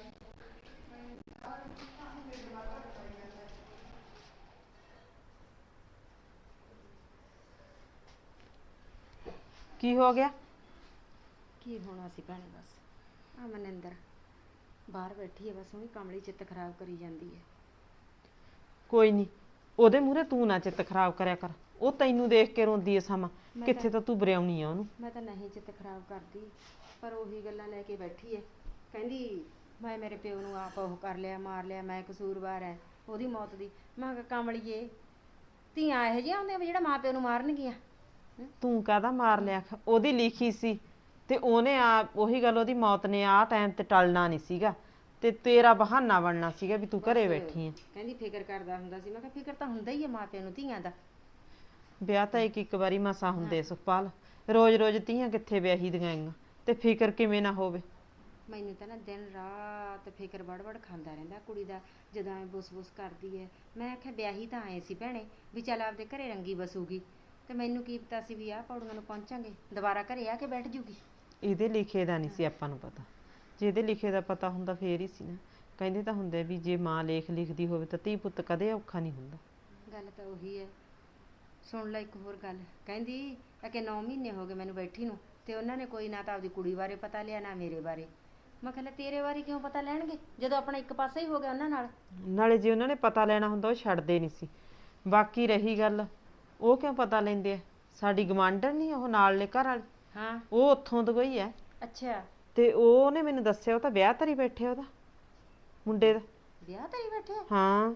S1: ਕੀ ਹੋ ਗਿਆ?
S2: ਕੀ ਹੋਣਾ ਸੀ ਭੈਣੇ, ਬਸ ਆ ਮਨਿੰਦਰ ਬਾਹਰ ਬੈਠੀ ਹੈ, ਬਸ ਉਹੀ ਕਮਲੀ ਚਿੱਤ ਖਰਾਬ ਕਰੀ ਜਾਂਦੀ ਹੈ।
S1: ਕੋਈ ਨਹੀਂ, ਉਹਦੇ ਮੂਹਰੇ ਤੂੰ ਨਾ ਚਿੱਤ ਖਰਾਬ ਕਰਿਆ ਕਰ, ਉਹ ਤੈਨੂੰ ਦੇਖ ਕੇ ਰੋਂਦੀ ਐ ਸਮਾਂ,
S2: ਮੈਂ
S1: ਕਿੱਥੇ
S2: ਤਾਂ-
S1: ਤਾਂ ਤੂੰ ਬਰਿਆਉਣੀ ਆ ਉਹਨੂੰ।
S2: ਮੈਂ ਤਾਂ ਨਹੀਂ ਚਿੱਤ ਖਰਾਬ ਕਰਦੀ, ਪਰ ਉਹੀ ਗੱਲਾਂ ਲੈ ਕੇ ਬੈਠੀ ਹੈ। ਕਹਿੰਦੀ ਮੈਂ ਮੇਰੇ ਪਿਓ ਨੂੰ ਆਪ ਉਹ ਕਰ ਲਿਆ, ਮਾਰ ਲਿਆ, ਮੈਂ ਕਸੂਰਵਾਰ ਹੈ ਉਹਦੀ ਮੌਤ ਦੀ। ਮੈਂ ਕਿਹਾ ਕਮਲੀਏ, ਧੀਆਂ ਇਹੋ ਜਿਹੀਆਂ ਹੁੰਦੀਆਂ ਵੀ ਜਿਹੜਾ ਮਾਂ ਪਿਓ ਨੂੰ ਮਾਰਨਗੀਆਂ।
S1: ਤੂੰ ਕਾਹਦਾ ਮਾਰ ਲਿਆ, ਉਹਦੀ ਲਿਖੀ ਸੀ ਤੇ ਉਹਨੇ ਆ ਉਹੀ ਗੱਲ, ਉਹਦੀ ਮੌਤ ਨੇ ਆ ਟਾਈਮ ਤੇ ਟਲਣਾ ਨਹੀਂ ਸੀਗਾ, ਤੇ ਤੇਰਾ ਬਹਾਨਾ ਬਣਨਾ ਸੀਗਾ ਵੀ ਤੂੰ ਘਰੇ ਬੈਠੀ ਐ।
S2: ਕਹਿੰਦੀ ਫਿਕਰ ਕਰਦਾ ਹੁੰਦਾ ਸੀ। ਮੈਂ ਕਿਹਾ ਫਿਕਰ ਤਾਂ ਹੁੰਦਾ ਹੀ ਹੈ ਮਾਂ ਪਿਓ ਨੂੰ ਧੀਆਂ ਦਾ।
S1: ਵਿਆਹ ਤਾਂ ਇੱਕ ਇੱਕ ਵਾਰੀ ਮਸਾ ਹੁੰਦੇ ਸੁਖਪਾਲ, ਰੋਜ਼ ਰੋਜ਼ ਧੀਆਂ ਕਿੱਥੇ ਵਿਆਹੀ ਦੀਆਂ ਆਂ, ਤੇ ਫਿਕਰ ਕਿਵੇਂ ਨਾ ਹੋਵੇ।
S2: ਮੈਨੂੰ ਤਾਂ ਨਾ ਦਿਨ ਰਾਤ ਫਿਕਰ ਵੜ-ਵੜ ਖਾਂਦਾ ਰਹਿੰਦਾ ਕੁੜੀ ਦਾ, ਜਦੋਂ ਐ ਬੁਸ-ਬੁਸ ਕਰਦੀ ਹੈ। ਮੈਂ ਆਖਿਆ ਵਿਆਹੀ ਤਾਂ ਆਏ ਸੀ ਭੈਣੇ ਵੀ ਚੱਲ ਆਪਦੇ ਘਰੇ ਰੰਗੀ ਬਸੂਗੀ, ਤੇ ਮੈਨੂੰ ਕੀ ਪਤਾ ਸੀ ਵੀ ਆਹ ਪੌੜੀਆਂ ਨੂੰ ਪਹੁੰਚਾਂਗੇ, ਦੁਬਾਰਾ ਘਰੇ ਆ ਕੇ ਬੈਠ ਜੂਗੀ।
S1: ਇਹਦੇ ਲਿਖੇ ਦਾ ਨਹੀਂ ਸੀ ਆਪਾਂ ਨੂੰ ਪਤਾ, ਜੇ ਇਹਦੇ ਲਿਖੇ ਦਾ ਪਤਾ ਹੁੰਦਾ ਫੇਰ ਹੀ ਸੀ ਨਾ। ਕਹਿੰਦੇ ਤਾਂ ਹੁੰਦੇ ਵੀ ਜੇ ਮਾਂ ਲੇਖ ਲਿਖਦੀ ਹੋਵੇ ਤਾਂ ਧੀ ਪੁੱਤ ਕਦੇ ਔਖਾ ਨਹੀਂ ਹੁੰਦਾ।
S2: ਗੱਲ ਤਾਂ ਉਹੀ ਹੈ। ਸੁਣ ਲੈ ਇੱਕ ਹੋਰ ਗੱਲ, ਕਹਿੰਦੀ ਕਿ ਨੌ ਮਹੀਨੇ ਹੋ ਗਏ ਮੈਨੂੰ ਬੈਠੀ ਨੂੰ, ਤੇ ਉਹਨਾਂ ਨੇ ਕੋਈ ਨਾ ਤਾਂ ਆਪਦੀ ਕੁੜੀ ਬਾਰੇ ਪਤਾ ਲਿਆ ਨਾ ਮੇਰੇ ਬਾਰੇ। ਮੈਂ ਕਿਹਾ ਲੈ ਤੇਰੇ ਬਾਰੇ ਕਿਉਂ ਪਤਾ ਲੈਣਗੇ ਜਦੋਂ ਆਪਣਾ ਇੱਕ ਪਾਸਾ ਹੀ ਹੋ ਗਿਆ ਉਹਨਾਂ ਨਾਲ।
S1: ਨਾਲੇ ਜੇ ਉਹਨਾਂ ਨੇ ਪਤਾ ਲੈਣਾ ਹੁੰਦਾ ਉਹ ਛੱਡਦੇ ਨਹੀਂ ਸੀ। ਬਾਕੀ ਰਹੀ ਗੱਲ, ਉਹ ਕਿਉਂ ਪਤਾ ਲੈਂਦੇ ਆ, ਸਾਡੀ ਗਵਾਂਢਣ ਨਹੀਂ ਉਹ ਨਾਲਲੇ ਘਰ ਵਾਲੀ,
S2: ਹਾਂ
S1: ਉਹ ਉੱਥੋਂ ਤੋਂ ਗਈ ਹੈ,
S2: ਅੱਛਾ,
S1: ਤੇ ਉਹਨੇ ਮੈਨੂੰ ਦੱਸਿਆ ਉਹ ਤਾਂ ਵਿਆਹ ਧਰੀ ਬੈਠੇ ਉਹਦਾ ਮੁੰਡੇ ਦਾ।
S2: ਵਿਆਹ ਤੇਰੀ ਬੈਠੇ ਆ?
S1: ਹਾਂ,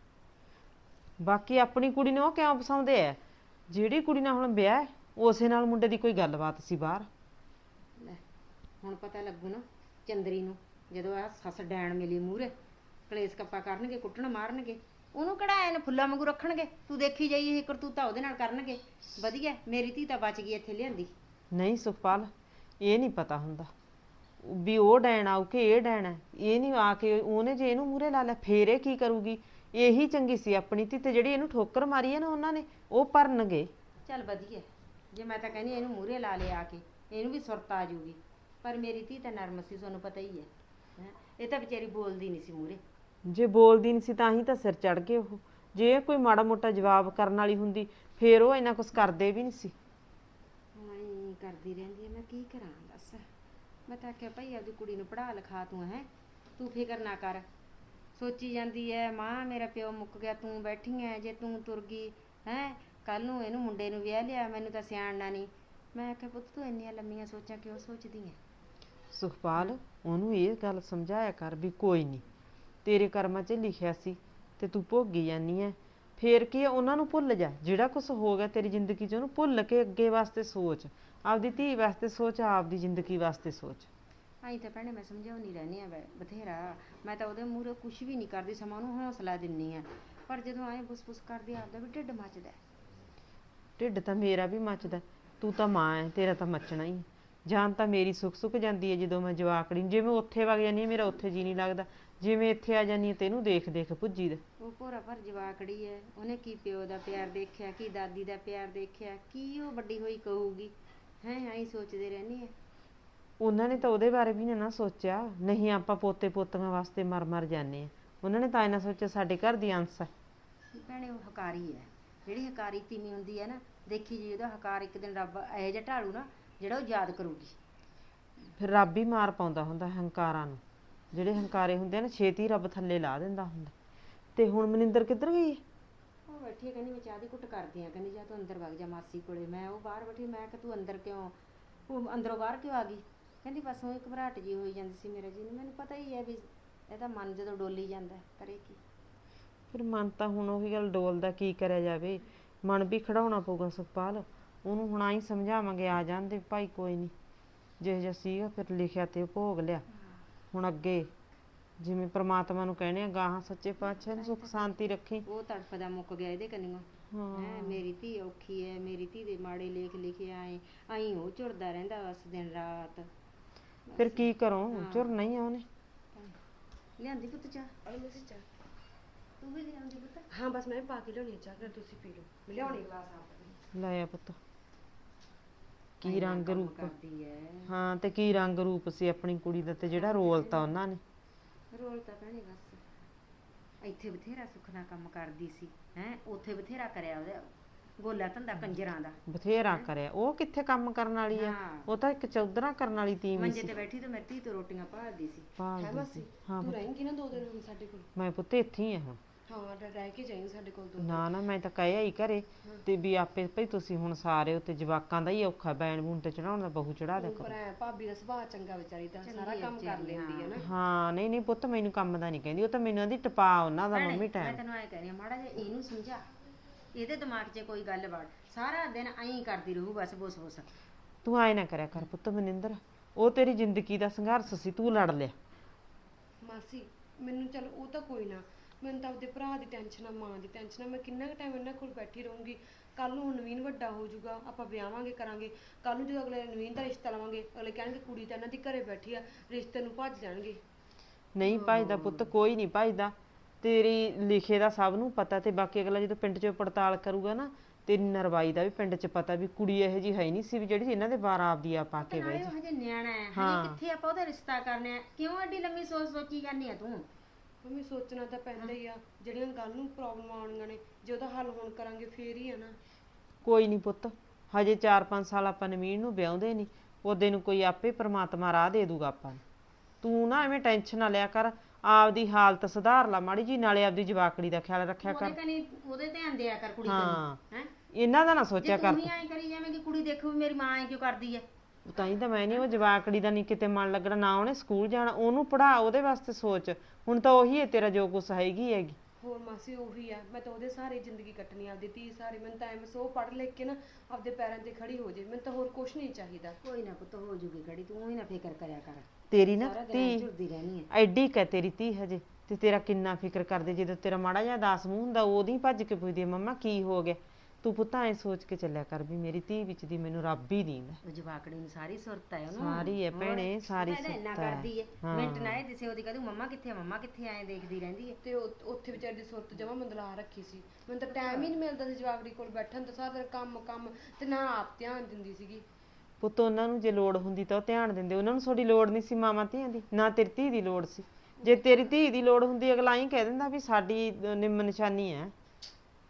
S1: ਬਾਕੀ ਆਪਣੀ ਕੁੜੀ ਨੂੰ ਉਹ ਕਿਉਂ ਪਸਾਉਂਦੇ ਆ, ਜਿਹੜੀ ਕੁੜੀ ਨਾਲ ਹੁਣ ਵਿਆਹ ਹੈ ਉਸੇ ਨਾਲ ਮੁੰਡੇ ਦੀ ਕੋਈ ਗੱਲਬਾਤ ਸੀ ਬਾਹਰ।
S2: ਲੈ ਹੁਣ ਪਤਾ ਲੱਗੂ ਨਾ ਚੰਦਰੀ ਨੂੰ, ਜਦੋਂ ਆ ਸੱਸ ਡੈਣ ਮਿਲੀ ਮੂਹਰੇ, ਕਲੇਸ਼ ਕੱਪਾ ਕਰਨਗੇ, ਕੁੱਟਣ ਮਾਰਨਗੇ, ਉਹਨੂੰ ਕਿਹੜਾ ਐਨ ਫੁੱਲਾਂ ਵਾਂਗੂ ਰੱਖਣਗੇ। ਤੂੰ ਦੇਖੀ ਜਾਈ ਇਹ ਕਰਤੂਤਾ ਉਹਦੇ ਨਾਲ ਕਰਨਗੇ। ਵਧੀਆ ਮੇਰੀ ਧੀ ਤਾਂ ਬਚ ਗਈ ਇੱਥੇ ਲਿਆਂਦੀ।
S1: ਨਹੀਂ ਸੁਖਪਾਲ, ਇਹ ਨਹੀਂ ਪਤਾ ਹੁੰਦਾ ਵੀ ਉਹ ਡੈਣ ਆਊ ਕਿ ਇਹ ਡੈਣ ਹੈ। ਇਹ ਨਹੀਂ ਆ ਕੇ ਉਹਨੇ ਜੇ ਇਹਨੂੰ ਮੂਹਰੇ ਲਾ ਲਿਆ ਫੇਰ ਇਹ ਕੀ ਕਰੂਗੀ। ਇਹੀ ਚੰਗੀ ਸੀ ਆਪਣੀ ਧੀ, ਤੇ ਜਿਹੜੀ ਇਹਨੂੰ ਠੋਕਰ ਮਾਰੀ ਹੈ ਨਾ ਉਹਨਾਂ ਨੇ, ਉਹ ਭਰਨਗੇ।
S2: ਚੱਲ ਵਧੀਆ, ਜੇ ਮੈਂ ਤਾਂ ਕਹਿੰਦੀ ਇਹਨੂੰ ਮੂਹਰੇ ਲਾ ਲਿਆ ਆ ਕੇ, ਇਹਨੂੰ ਵੀ ਸੁਰਤ ਆ ਜੂਗੀ। ਪਰ ਮੇਰੀ ਧੀ ਤਾਂ ਨਰਮ ਸੀ, ਤੁਹਾਨੂੰ ਪਤਾ ਹੀ ਹੈ ਹੈਂ। ਇਹ ਤਾਂ ਵਿਚਾਰੀ ਬੋਲਦੀ ਨਹੀਂ ਸੀ ਮੂਹਰੇ।
S1: ਜੇ ਬੋਲਦੀ ਨਹੀਂ ਸੀ ਤਾਂ ਹੀ ਤਾਂ ਸਿਰ ਚੜ ਗਏ ਉਹ।
S6: ਜੇ ਕੋਈ ਮਾੜਾ ਮੋਟਾ ਜਵਾਬ ਕਰਨ ਵਾਲੀ ਹੁੰਦੀ ਫੇਰ ਉਹ ਇੰਨਾ ਕੁਝ ਕਰਦੇ ਵੀ ਨਹੀਂ ਸੀ।
S7: ਹਾਂ ਕਰਦੀ ਰਹਿੰਦੀ ਹੈ, ਮੈਂ ਕੀ ਕਰਾਂ ਦੱਸ। ਮੈਂ ਤਾਂ ਆਖਿਆ ਭਾਈ ਆਪਦੀ ਕੁੜੀ ਨੂੰ ਪੜ੍ਹਾ ਲਿਖਾ ਤੂੰ, ਹੈ ਤੂੰ ਫਿਕਰ ਨਾ ਕਰ। ਸੋਚੀ ਜਾਂਦੀ ਹੈ ਮਾਂ ਮੇਰਾ ਪਿਓ ਮੁੱਕ ਗਿਆ, ਤੂੰ ਬੈਠੀ ਐ, ਜੇ ਤੂੰ ਤੁਰ ਗਈ ਹੈ ਕੱਲ ਨੂੰ ਇਹਨੂੰ ਮੁੰਡੇ ਨੂੰ ਵਿਆਹ ਲਿਆ, ਮੈਨੂੰ ਤਾਂ ਸਿਆਣਨਾ ਨਹੀਂ। ਮੈਂ ਆਖਿਆ ਪੁੱਤ ਤੂੰ ਇੰਨੀਆਂ ਲੰਮੀਆਂ ਸੋਚਾਂ ਕਿਉਂ ਸੋਚਦੀ ਐ?
S6: ਸੁਖਪਾਲ ਉਹਨੂੰ ਇਹ ਗੱਲ ਸਮਝਾਇਆ ਕਰ ਵੀ ਕੋਈ ਨਹੀਂ, ਤੇਰੇ ਕਰਮਾਂ 'ਚ ਲਿਖਿਆ ਸੀ ਤੇ ਤੂੰ ਭੋਗੀ ਜਾਨੀ ਐ। ਫੇਰ ਕੀ ਆ, ਉਹਨਾਂ ਨੂੰ ਭੁੱਲ ਜਾ, ਜਿਹੜਾ ਕੁਝ ਹੋ ਗਿਆ ਤੇਰੀ ਜ਼ਿੰਦਗੀ 'ਚ ਉਹਨੂੰ ਭੁੱਲ ਕੇ ਅੱਗੇ ਵਾਸਤੇ ਸੋਚ, ਆਪਦੀ ਧੀ ਵਾਸਤੇ ਸੋਚ, ਆਪਦੀ ਜ਼ਿੰਦਗੀ ਵਾਸਤੇ ਸੋਚ।
S7: ਆਈ ਤਾਂ ਭੈਣੇ ਮੈਂ ਸਮਝਾਉਣੀ ਰਹਿੰਦੀ ਆ ਬਥੇਰਾ, ਮੈਂ ਤਾਂ ਉਹਦੇ ਮੂਹਰੇ ਕੁਛ ਵੀ ਨਹੀਂ ਕਰਦੀ, ਸਮਾਂ ਉਹਨੂੰ ਹੌਸਲਾ ਦਿੰਨੀ ਆ, ਪਰ ਜਦੋਂ ਆਏ ਬੁਸ ਬੁਸ ਕਰਦੀ ਆਪਦਾ ਵੀ ਢਿੱਡ ਮੱਚਦਾ।
S6: ਢਿੱਡ ਤਾਂ ਮੇਰਾ ਵੀ ਮੱਚਦਾ, ਤੂੰ ਤਾਂ ਮਾਂ ਐ, ਤੇਰਾ ਤਾਂ ਮੱਚਣਾ ਹੀ। ਜਾਨ ਤਾਂ ਮੇਰੀ ਸੁੱਕ ਸੁੱਕ ਜਾਂਦੀ ਹੈ ਜਦੋਂ ਮੈਂ ਜਵਾਕੜੀ ਨੂੰ, ਜਿਵੇਂ ਉੱਥੇ ਵਗ ਜਾਂਦੀ ਹਾਂ ਮੇਰਾ ਉੱਥੇ ਜੀ ਨਹੀਂ ਲੱਗਦਾ, ਜਿਵੇਂ ਇੱਥੇ ਆ ਜਾਂਦੀ ਹਾਂ ਤੈਨੂੰ ਦੇਖ ਦੇਖ ਭੁੱਜੀ ਦਾ।
S7: ਉਹ ਭੋਰਾ ਭਰ ਜਵਾਕੜੀ ਐ, ਉਹਨੇ ਕੀ ਪਿਓ ਦਾ ਪਿਆਰ ਦੇਖਿਆ, ਕੀ ਦਾਦੀ ਦਾ ਪਿਆਰ ਦੇਖਿਆ, ਕੀ ਉਹ ਵੱਡੀ ਹੋਈ ਕਹੂਗੀ ਹੈ, ਐਂ ਸੋਚਦੇ ਰਹਿੰਦੇ ਆ।
S6: ਉਹਨਾਂ ਨੇ ਤਾਂ ਉਹਦੇ ਬਾਰੇ ਵੀ ਨਾ ਸੋਚਿਆ, ਨਹੀਂ ਆਪਾਂ ਪੋਤੇ ਪੋਤੀਆਂ ਵਾਸਤੇ ਮਰ ਮਰ ਜਾਂਦੇ ਆ, ਉਹਨਾਂ ਨੇ ਤਾਂ ਇਹਨਾਂ ਸੋਚਿਆ ਸਾਡੇ ਘਰ ਦੀ ਅੰਸ ਹੈ।
S7: ਭੈਣੇ ਉਹ ਹਕਾਰੀ ਹੈ, ਜਿਹੜੀ ਹਕਾਰੀ ਤੀਵੀਂ ਹੁੰਦੀ ਹੈ ਨਾ, ਦੇਖੀ ਜੀ ਉਹਦਾ ਹਕਾਰ ਇੱਕ ਦਿਨ ਰੱਬ ਇਹੋ ਜਿਹਾ ਢਾਲੂ ਨਾ ਜਿਹੜਾ ਉਹ ਯਾਦ ਕਰੂਗੀ।
S6: ਫਿਰ ਰੱਬ ਹੀ ਮਾਰ ਪਾਉਂਦਾ ਹੁੰਦਾ ਹੰਕਾਰਾਂ ਨੂੰ, ਜਿਹੜੇ ਹੰਕਾਰੇ ਹੁੰਦੇ ਆ ਨਾ ਛੇਤੀ ਰੱਬ ਥੱਲੇ ਲਾ ਦਿੰਦਾ ਹੁੰਦਾ। ਤੇ ਹੁਣ ਮਨਿੰਦਰ ਕਿੱਧਰ ਗਈ?
S7: ਉਹ ਬੈਠੀ ਕਹਿੰਦੀ ਮੈਂ ਚਾਹ ਦੀ ਘੁੱਟ ਕਰਦੀ ਆ, ਕਹਿੰਦੀ ਜਾ ਤੂੰ ਅੰਦਰ ਵਗ ਜਾ ਮਾਸੀ ਕੋਲੇ। ਮੈਂ ਉਹ ਬਾਹਰ ਬੈਠੀ, ਮੈਂ ਕਿ ਤੂੰ ਅੰਦਰ ਕਿਉਂ, ਉਹ ਅੰਦਰੋਂ ਬਾਹਰ ਕਿਉਂ ਆ ਗਈ? ਕਹਿੰਦੀ ਬਸ ਉਹ ਇੱਕ ਘਬਰਾਹਟ ਜੀ ਹੋਈ ਜਾਂਦੀ ਸੀ ਮੇਰਾ ਜੀ ਨੂੰ। ਮੈਨੂੰ ਪਤਾ ਹੀ ਹੈ ਵੀ ਇਹਦਾ ਮਨ ਜਦੋਂ ਡੋਲੀ ਜਾਂਦਾ ਕਰੇ ਕੀ।
S6: ਫਿਰ ਮਨ ਤਾਂ ਹੁਣ ਉਹੀ ਗੱਲ ਡੋਲਦਾ, ਕੀ ਕਰਿਆ ਜਾਵੇ, ਮਨ ਵੀ ਖੜਾਉਣਾ ਪਊਗਾ ਸੁਖਪਾਲ। ਉਹਨੂੰ ਹੁਣ ਆਈ ਸਮਝਾਵਾਂਗੇ, ਆ ਜਾਂਦੇ ਭਾਈ ਕੋਈ ਨਹੀਂ, ਜਿਹੋ ਜਿਹਾ ਸੀਗਾ ਫਿਰ ਲਿਖਿਆ ਤੇ ਉਹ ਭੋਗ ਲਿਆ। ਹੁਣ ਅੱਗੇ ਜਿਵੇਂ ਪ੍ਰਮਾਤਮਾ ਨੂੰ ਕਹਿੰਦੇ ਆ ਗਾਹਾਂ ਸੱਚੇ ਪਾਤਸ਼ਾਹ ਨੂੰ ਸੁੱਖ ਸ਼ਾਂਤੀ ਰੱਖੀ।
S7: ਉਹ ਤੜਫਦਾ ਮੁੱਕ ਗਿਆ ਇਹਦੇ ਕੰਨੀਓ ਹੈ, ਮੇਰੀ ਧੀ ਔਖੀ ਹੈ, ਮੇਰੀ ਧੀ ਦੇ ਮਾੜੇ ਲੇਖ ਲਿਖੇ ਆਏ ਆਈ, ਉਹ ਝੁਰਦਾ ਰਹਿੰਦਾ ਬਸ ਦਿਨ ਰਾਤ।
S6: ਫਿਰ ਕੀ ਕਰੋ, ਝੁਰ ਨਹੀਂ ਆ ਉਹਨੇ।
S7: ਲਿਆਂਦੀ ਪੁੱਤ ਚਾਹ? ਤੂੰ ਵੀ ਲਿਆਂਦੀ ਪੁੱਤ?
S1: ਹਾਂ ਬਸ ਮੈਂ ਪਾ ਕੇ ਲਿਆਉਣੀ ਚਾਹ, ਫਿਰ ਤੁਸੀਂ ਪੀ ਲਓ, ਮੈਂ ਲਿਆਉਣੀ ਗਲਾਸ ਆਪ।
S6: ਲਾਇਆ ਪੁੱਤ, ਕੀ ਰੰਗ ਰੂਪ
S7: ਕਰਦੀ ਹੈ।
S6: ਹਾਂ ਤੇ ਕੀ ਰੰਗ ਰੂਪ ਸੀ ਆਪਣੀ ਕੁੜੀ ਦਾ, ਤੇ ਜਿਹੜਾ ਰੋਲ ਤਾਂ ਉਹਨਾਂ ਨੇ।
S7: ਰੋਲ ਤਾਂ ਭੈਣੇ ਬਸ ਇੱਥੇ ਬਥੇਰਾ ਸੁੱਖ ਨਾਲ ਕੰਮ ਕਰਦੀ ਸੀ ਹੈ, ਉੱਥੇ ਬਥੇਰਾ ਕਰਿਆ ਉਹਦਾ ਗੋਲਾ ਧੰਦਾ ਕੰਜਰਾਂ ਦਾ,
S6: ਬਥੇਰਾ ਕਰਿਆ। ਉਹ ਕਿੱਥੇ ਕੰਮ ਕਰਨ ਵਾਲੀ ਆ,
S7: ਹਾਂ।
S6: ਉਹ ਤਾਂ ਇੱਕ ਚੌਧਰਾ ਕਰਨ ਵਾਲੀ ਤੀਵੀਂ
S7: ਮੰਜੇ
S6: ਸੀ।
S7: ਤੇ ਬੈਠੀ ਤੇ ਮੇਰੀ ਧੀ ਤੋਂ ਰੋਟੀਆਂ ਭਾਲਦੀ ਸੀ।
S6: ਭਾਲਦੀ ਸੀ। ਹਾਂ
S1: ਤੂੰ
S6: ਪੁੱਤ,
S1: ਰਹੇਂਗੀ ਨਾ ਦੋ ਦਿਨ ਹੁਣ ਸਾਡੇ ਕੋਲ?
S6: ਮੈਂ ਪੁੱਤ ਇੱਥੇ ਹੀ ਆ ਹੁਣ।
S1: ਹਾਂ ਰਹਿ- ਰਹਿ ਕੇ ਜਾਈਂ ਸਾਡੇ ਕੋਲ ਦੋ
S6: ਨਾ ਨਾ ਮੈਂ ਤਾਂ ਕਹਿਆ ਹੀ ਘਰੇ ਤੇ ਵੀ ਆਪੇ ਭਈ ਤੁਸੀਂ ਹੁਣ ਸਾਰੇ ਉੱਤੇ ਜਵਾਕਾਂ ਦਾ ਹੀ ਔਖਾ, ਬੈਣ ਬੂਣ ਤੇ ਚੜਾਉਣ ਦਾ ਬਹੂ ਚੜਾ ਦਿਆ
S1: ਪਰ
S6: ਕਰੋ।
S1: ਐ ਭਾਬੀ ਦਾ ਸੁਭਾਅ ਚੰਗਾ ਵਿਚਾਰੀ ਦਾ, ਸਾਰਾ
S7: ਚੰਗੀ ਆ
S1: ਕੰਮ ਕਰ
S7: ਵਿਚਾਰੀ,
S1: ਲੈਂਦੀ ਹੈ ਨਾ।
S6: ਹਾਂ ਨਹੀਂ ਨਹੀਂ ਪੁੱਤ ਮੈਨੂੰ ਕੰਮ ਦਾ ਨਹੀਂ ਕਹਿੰਦੀ, ਉਹ ਤਾਂ ਮੈਨੂੰ ਆਂਦੀ ਟਪਾ ਉਹਨਾਂ ਦਾ
S7: ਭੈਣੇ,
S6: ਮੰਮੀ
S7: ਮੈਂ
S6: ਟਾਈਮ।
S7: ਤੈਨੂੰ ਐ ਕਹਿ ਰਹੀ ਆ ਮਾੜਾ ਜਿਹਾ ਇਹਨੂੰ ਸਮਝਾ, ਇਹਦੇ ਦਿਮਾਗ 'ਚ ਕੋਈ ਗੱਲ ਵੜ, ਸਾਰਾ ਦਿਨ ਐਂ ਕਰਦੀ ਰਹੂ ਬਸ ਬੁਸ ਬੁਸ।
S6: ਤੂੰ ਆਏ ਨਾ ਕਰਿਆ ਕਰ ਪੁੱਤ ਮਨਿੰਦਰ, ਉਹ ਤੇਰੀ ਜ਼ਿੰਦਗੀ ਦਾ ਸੰਘਰਸ਼ ਸੀ, ਤੂੰ ਲੜ ਲਿਆ।
S1: ਮਾਸੀ ਮੈਨੂੰ ਚੱਲ ਉਹ ਤਾਂ ਕੋਈ ਨਾ, ਮੈਨੂੰ ਤਾਂ ਆਪਦੇ ਭਰਾ ਦੀ ਟੈਨਸ਼ਨ ਆ, ਮਾਂ ਦੀ ਟੈਨਸ਼ਨ ਆ। ਮੈਂ ਕਿੰਨਾ ਕੁ ਟਾਈਮ ਇਹਨਾਂ ਕੋਲ ਬੈਠੀ ਰਹੂੰਗੀ? ਕੱਲ ਨੂੰ ਨਵੀਨ ਵੱਡਾ ਹੋ ਜਾਊਗਾ, ਆਪਾਂ ਵਿਆਹਾਂਗੇ ਕਰਾਂਗੇ, ਕੱਲ ਨੂੰ ਜਦੋਂ ਅਗਲੇ ਨਵੀਨ ਦਾ ਰਿਸ਼ਤਾ ਲਵਾਂਗੇ ਅਗਲੇ ਕਹਿਣਗੇ ਕੁੜੀ ਤਾਂ ਇਹਨਾਂ ਦੀ ਘਰੇ ਬੈਠੀ ਆ, ਰਿਸ਼ਤੇ ਨੂੰ ਭੱਜ ਜਾਣਗੇ।
S6: ਨਹੀਂ ਭਜਦਾ ਪੁੱਤ, ਕੋਈ ਨਹੀਂ ਭਜਦਾ, ਤੇਰੀ ਲਿਖੇ ਦਾ ਸਭ ਨੂੰ ਪਤਾ। ਤੇ ਬਾਕੀ ਅਗਲਾ ਜਦੋਂ ਪਿੰਡ 'ਚ ਪੜਤਾਲ ਕਰੂਗਾ ਨਾ, ਤੇਰੀ ਨਰਵਾਈ ਦਾ ਵੀ ਪਿੰਡ 'ਚ ਪਤਾ ਵੀ ਕੁੜੀ ਇਹੋ ਜਿਹੀ ਹੈ ਨਹੀਂ ਸੀ ਵੀ ਜਿਹੜੀ ਇਹਨਾਂ ਦੇ ਬਾਰ ਆਪਦੀ ਆ ਪਾ ਕੇ ਬਹਿ
S7: ਨਾਲੇ
S6: ਜਾ।
S7: ਉਹ ਹਜੇ ਨਿਆਣਾ ਹੈ, ਹਜੇ ਕਿੱਥੇ ਆਪਾਂ ਉਹਦਾ ਰਿਸ਼ਤਾ ਕਰਨਾ ਹੈ? ਕਿਉਂ ਐਡੀ ਲੰਮੀ ਸੋਚ ਸੋਚੀ ਜਾਂਦੀ ਆ ਤੂੰ?
S1: ਮੰਮੀ ਸੋਚਣਾ ਤਾਂ ਪੈਂਦਾ ਹੀ ਆ, ਜਿਹੜੀਆਂ ਕੱਲ ਨੂੰ ਪ੍ਰੋਬਲਮ ਆਉਣੀਆਂ ਨੇ ਜੇ ਉਹਦਾ ਹੱਲ ਹੁਣ ਕਰਾਂਗੇ ਫੇਰ ਹੀ ਆ ਨਾ।
S6: ਕੋਈ ਨਹੀਂ ਪੁੱਤ, ਹਜੇ ਚਾਰ ਪੰਜ ਸਾਲ ਆਪਾਂ ਨਵੀਨ ਨੂੰ ਵਿਆਹੁੰਦੇ ਨਹੀਂ, ਉਹਦੇ ਨੂੰ ਕੋਈ ਆਪੇ ਪ੍ਰਮਾਤਮਾ ਰਾਹ ਦੇ ਦੂਗਾ ਆਪਾਂ ਨੂੰ। ਤੂੰ ਨਾ ਐਵੇਂ ਟੈਨਸ਼ਨ ਨਾ ਲਿਆ ਕਰ, ਆਪਦੀ ਹਾਲਤ ਸੁਧਾਰ ਲਾ ਮਾੜੀ ਜੀ, ਨਾਲੇ ਆਪਦੀ ਜਵਾਕੜੀ ਦਾ ਖਿਆਲ ਰੱਖਿਆ ਕਰ।
S7: ਉਹਦੇ ਕਨੀ ਉਹਦੇ ਧਿਆਨ ਦਿਆ ਕਰ ਕੁੜੀ
S6: ਹਾਂ
S7: ਕਨੀ, ਹੈ?
S6: ਇਹਨਾਂ ਦਾ ਨਾ ਸੋਚਿਆ
S7: ਜੇ
S6: ਕਰ
S7: ਤੂੰ ਹੀ ਐਂ ਕਰੀ ਜਾਵੇਂਗੀ ਕੁੜੀ ਦੇਖੂ ਵੀ ਮੇਰੀ ਮਾਂ ਐਂ ਕਿਉਂ ਕਰਦੀ ਹੈ।
S6: ਤੂੰ। ਤਾਂ ਹੀ ਤਾਂ ਮੈਂ ਨਹੀਂ, ਉਹ ਜਵਾਕੜੀ ਦਾ ਨਹੀਂ ਕਿਤੇ ਮਨ ਲੱਗਣਾ, ਨਾ ਉਹਨੇ ਸਕੂਲ ਜਾਣਾ, ਉਹਨੂੰ ਪੜਾ, ਉਹਦੇ ਵਾਸਤੇ ਸੋਚ। ਹੁਣ ਤਾਂ ਉਹੀ ਹੈ ਤੇਰਾ ਜੋ ਕੁਛ ਹੈਗੀ ਹੈਗੀ।
S1: ਹੋਰ ਮਾਸੀ ਉਹੀ ਆ, ਮੈਂ ਤਾਂ ਉਹਦੇ ਸਾਰੇ ਜ਼ਿੰਦਗੀ ਕੱਟਣੀ, ਆਪਦੀ ਧੀ ਸਾਰੇ। ਮੈਨੂੰ ਤਾਂ ਐਵੇਂ ਸੋ ਪੜ੍ਹ ਲਿਖ ਕੇ ਨਾ ਆਪਦੇ ਪੈਰਾਂ ਤੇ ਖੜੀ ਹੋ ਜੇ, ਮੈਨੂੰ ਤਾਂ ਹੋਰ ਕੁਛ ਨਹੀਂ ਚਾਹੀਦਾ।
S7: ਕੋਈ ਨਾ ਪੁੱਤ ਹੋ ਜੂਗੀ ਖੜੀ, ਤੂੰ ਹੀ ਨਾ ਫਿਕਰ ਕਰਿਆ ਕਰ,
S6: ਤੇਰੀ ਨਾ
S7: ਸਾਰਾ ਦਿਨ
S6: ਧੀ
S7: ਝੁਰਦੀ ਰਹਿਣੀ ਹੈ।
S6: ਐਡੀ ਕੁ ਹੈ ਤੇਰੀ ਧੀ ਹਜੇ, ਤੇ ਤੇਰਾ ਕਿੰਨਾ ਫਿਕਰ ਕਰਦੇ। ਜਦੋਂ ਤੇਰਾ ਮਾੜਾ ਜਿਹਾ ਦਾਸ ਮੂੰਹ ਹੁੰਦਾ ਉਹਦੀ ਭੱਜ ਕੇ ਪੁੱਛਦੀ ਹੈ ਮੰਮਾ ਕੀ ਹੋ ਗਿਆ। ਤੂੰ ਪੁੱਤਾਂ ਐ ਸੋਚ ਕੇ ਚੱਲਿਆ ਕਰ ਵੀ ਮੇਰੀ ਧੀ ਵਿੱਚ ਦੀ ਮੈਨੂੰ ਰੱਬ ਹੀ ਦੀਂਦਾ।
S7: ਉਹ ਜਵਾਕੜੀ ਨੂੰ ਸਾਰੀ ਸੁਰਤ ਹੈ ਉਹਨੂੰ,
S6: ਸਾਰੀ ਹੈ ਭੈਣੇ, ਸਾਰੀ
S7: ਸੁਰਤ ਇੰਨਾ
S6: ਸੁਰਤ ਹੈ।
S7: ਕਰਦੀ ਹੈ, ਮਿੰਟ ਨਾ ਇਹ ਦਿਸੇ ਉਹਦੀ ਕਹਦੂ ਮੰਮਾ ਕਿੱਥੇ ਆ, ਮੰਮਾ ਕਿੱਥੇ ਆਏ ਦੇਖਦੀ ਰਹਿੰਦੀ ਹੈ।
S1: ਤੇ ਉਹ- ਉੱਥੇ ਵਿਚਾਰੀ ਦੀ ਸੁਰਤ ਜਮਾ ਮੰਦਲਾ ਰੱਖੀ ਸੀ, ਮੈਨੂੰ ਤਾਂ ਟਾਈਮ ਹੀ ਨਹੀਂ ਮਿਲਦਾ ਸੀ ਜਵਾਕੜੀ ਕੋਲ ਬੈਠਣ ਦਾ, ਸਾਰਾ ਦਿਨ ਕੰਮ ਕੰਮ ਤੇ ਨਾ ਆਪ ਧਿਆਨ ਦਿੰਦੀ ਸੀਗੀ।
S6: ਪੁੱਤ ਉਹਨਾਂ ਨੂੰ ਜੇ ਲੋੜ ਹੁੰਦੀ ਤਾਂ ਉਹ ਧਿਆਨ ਦਿੰਦੇ, ਉਹਨਾਂ ਨੂੰ ਤੁਹਾਡੀ ਲੋੜ ਨਹੀਂ ਸੀ ਮਾਵਾਂ ਧੀਆਂ ਦੀ, ਨਾ ਤੇਰੀ ਧੀ ਦੀ ਲੋੜ ਸੀ। ਜੇ ਤੇਰੀ ਧੀ ਦੀ ਲੋੜ ਹੁੰਦੀ ਅਗਲਾ ਹੀ ਕਹਿ ਦਿੰਦਾ ਵੀ ਸਾਡੀ ਨਿੰਮ ਨਿਸ਼ਾਨੀ ਹੈ।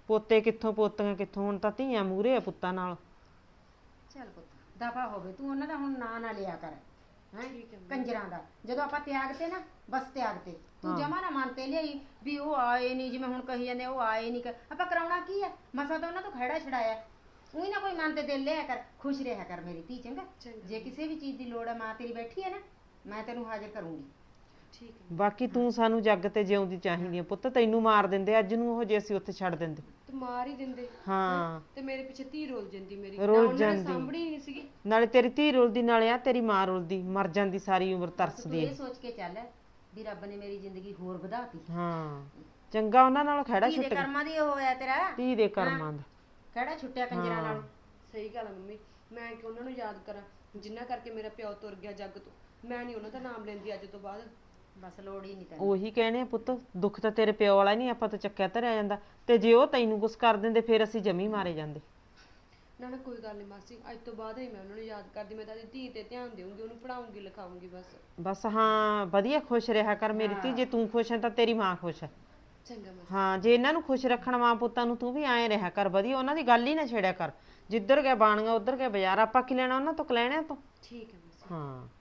S6: ਪੋਤੇ ਕਿੱਥੋਂ ਪੋਤੀਆਂ ਕਿੱਥੋਂ, ਹੁਣ ਤਾਂ ਧੀਆਂ ਮੂਹਰੇ ਆ ਪੁੱਤਾਂ ਨਾਲ।
S7: ਚੱਲ ਪੁੱਤ ਦਫਾ ਹੋਵੇ, ਤੂੰ ਉਹਨਾਂ ਦਾ ਹੁਣ ਨਾਂ ਨਾ ਲਿਆ ਕਰ ਹੈ ਕੰਜਰਾਂ ਦਾ। ਜਦੋਂ ਆਪਾਂ ਤਿਆਗ ਤੇ ਨਾ ਬਸ ਤਿਆਗ ਤੇ, ਤੂੰ ਜਮਾ ਨਾ ਮਨ ਤੇ ਲਿਆਈ ਵੀ ਉਹ ਆਏ ਨਹੀਂ, ਜਿਵੇਂ ਹੁਣ ਕਹੀ ਜਾਂਦੇ ਉਹ ਆਏ ਨਹੀਂ। ਆਪਾਂ ਕਰਾਉਣਾ ਕੀ ਆ, ਮਸਾ ਤਾਂ ਉਹਨਾਂ ਤੋਂ ਖਹਿੜਾ ਛਡਾਇਆ। ਉਹੀ ਨਾ ਕੋਈ ਮਨ ਤੇ ਦਿਲ ਲਿਆ ਕਰ, ਖੁਸ਼ ਰਿਹਾ ਕਰ ਮੇਰੀ ਧੀ, ਚੰਗਾ। ਜੇ ਕਿਸੇ ਵੀ ਚੀਜ਼ ਦੀ ਲੋੜ ਹੈ, ਮਾਂ ਤੇਰੀ ਬੈਠੀ ਹੈ ਨਾ, ਮੈਂ ਤੈਨੂੰ ਹਾਜ਼ਰ ਕਰੂੰਗੀ।
S2: ਠੀਕ ਹੈ
S6: ਬਾਕੀ ਤੂੰ ਸਾਨੂੰ ਜੱਗ ਤੇ ਜਿਉਂਦੀ ਚਾਹੀਦੀ ਆ ਪੁੱਤ, ਤੈਨੂੰ ਮਾਰ ਦਿੰਦੇ ਅੱਜ ਨੂੰ ਉਹ ਜੇ ਅਸੀਂ ਉੱਥੇ ਛੱਡ ਦਿੰਦੇ।
S2: ਤੇ ਮਾਰ ਹੀ ਦਿੰਦੇ
S6: ਹਾਂ
S2: ਤੇ ਮੇਰੇ ਪਿੱਛੇ ਧੀ ਰੋਲ ਜਾਂਦੀ ਮੇਰੀ,
S6: ਰੁਲ
S2: ਨਾ ਉਹਨਾਂ ਨੇ
S6: ਜਾਂਦੀ।
S2: ਸਾਂਭਣੀ ਹੀ ਨਹੀਂ ਸੀਗੀ।
S6: ਨਾਲੇ ਤੇਰੀ ਧੀ ਰੁਲਦੀ, ਨਾਲੇ ਆ ਤੇਰੀ ਮਾਂ ਰੁਲਦੀ, ਮਰ ਜਾਂਦੀ ਸਾਰੀ ਉਮਰ
S7: ਬਸ ਤੂੰ
S6: ਤਰਸਦੀ
S7: ਇਹ
S6: ਆ।
S7: ਸੋਚ ਕੇ ਚੱਲ ਵੀ ਰੱਬ ਨੇ ਮੇਰੀ ਜ਼ਿੰਦਗੀ ਹੋਰ ਵਧਾਤੀ।
S6: ਹਾਂ ਚੰਗਾ ਉਹਨਾਂ ਨਾਲ ਖੜਾ
S7: ਧੀ ਦੇ
S6: ਛੁੱਟ ਗਿਆ,
S7: ਕਰਮਾਂ ਦੀ ਉਹ ਹੋਇਆ ਤੇਰਾ,
S6: ਧੀ ਦੇ ਕਰਮਾਂ ਦਾ।
S7: ਖੜਾ ਛੁੱਟਿਆ ਕੰਜਰਾਂ ਨਾਲ।
S2: ਸਹੀ ਗੱਲ ਆ ਮੰਮੀ, ਮੈਂ ਕਿ ਉਹਨਾਂ ਨੂੰ ਯਾਦ ਕਰਾਂ ਜਿੰਨਾ ਕਰਕੇ ਮੇਰਾ ਪਿਓ ਤੁਰ ਗਿਆ ਜੱਗ ਤੋਂ। ਮੈਂ ਨਹੀਂ ਉਹਨਾਂ ਦਾ ਨਾਮ ਲੈਂਦੀ ਅੱਜ ਤੋਂ ਬਾਅਦ।
S7: ਬਸ ਲੋੜ ਹੀ ਨਹੀਂ ਤੈਨੂੰ।
S6: ਉਹੀ ਕਹਿੰਦੇ ਆ ਪੁੱਤ, ਦੁੱਖ ਤਾਂ ਤੇਰੇ ਪਿਓ ਵਾਲਾ ਨਹੀਂ, ਆਪਾਂ ਤਾਂ ਚੱਕਿਆ ਧਰਿਆ ਜਾਂਦਾ। ਤੇ ਜੇ ਉਹ ਤੈਨੂੰ ਕੁਛ ਕਰ ਦਿੰਦੇ ਫਿਰ ਅਸੀਂ ਜਮੀ ਮਾਰੇ ਜਾਂਦੇ।
S2: ਨਾ ਨਾ ਕੋਈ ਗੱਲ ਨਹੀਂ ਮਾਸੀ, ਅੱਜ ਤੋਂ ਬਾਅਦ ਨਹੀਂ ਮੈਂ ਉਹਨਾਂ ਨੂੰ ਯਾਦ ਕਰਦੀ। ਮੈਂ ਤਾਂ ਆਪਣੀ ਧੀ ਤੇ ਧਿਆਨ ਦੇਵਾਂਗੀ, ਉਹਨੂੰ ਪੜਾਉਂਗੀ ਲਿਖਾਉਂਗੀ ਬਸ।
S6: ਬਸ ਹਾਂ ਵਧੀਆ ਖੁਸ਼ ਰਿਹਾ ਕਰ ਮੇਰੀ ਧੀ, ਜੇ ਤੂੰ ਖੁਸ਼ ਹੈ ਤਾਂ ਤੇਰੀ ਮਾਂ ਖੁਸ਼ ਹੈ।
S2: ਚੰਗਾ ਮਾਸੀ।
S6: ਹਾਂ ਜੇ ਇਹਨਾਂ ਨੂੰ ਖੁਸ਼ ਰੱਖਣ ਮਾਂ ਪੁੱਤਾਂ ਨੂੰ, ਤੂੰ ਵੀ ਐਂ ਰਿਹਾ ਕਰ ਵਧੀਆ, ਉਹਨਾਂ ਦੀ ਗੱਲ ਹੀ ਨਾ ਛੇੜਿਆ ਕਰ। ਜਿੱਧਰ ਗਿਆ ਬਾਣੀਆਂ ਉੱਧਰ ਗਿਆ ਬਾਜ਼ਾਰ, ਆਪਾਂ ਕੀ ਲੈਣਾ ਉਹਨਾਂ ਤੋਂ, ਕਲੈਣਿਆਂ ਤੋਂ।
S2: ਠੀਕ ਹੈ ਮਾਸੀ।
S6: ਹਾਂ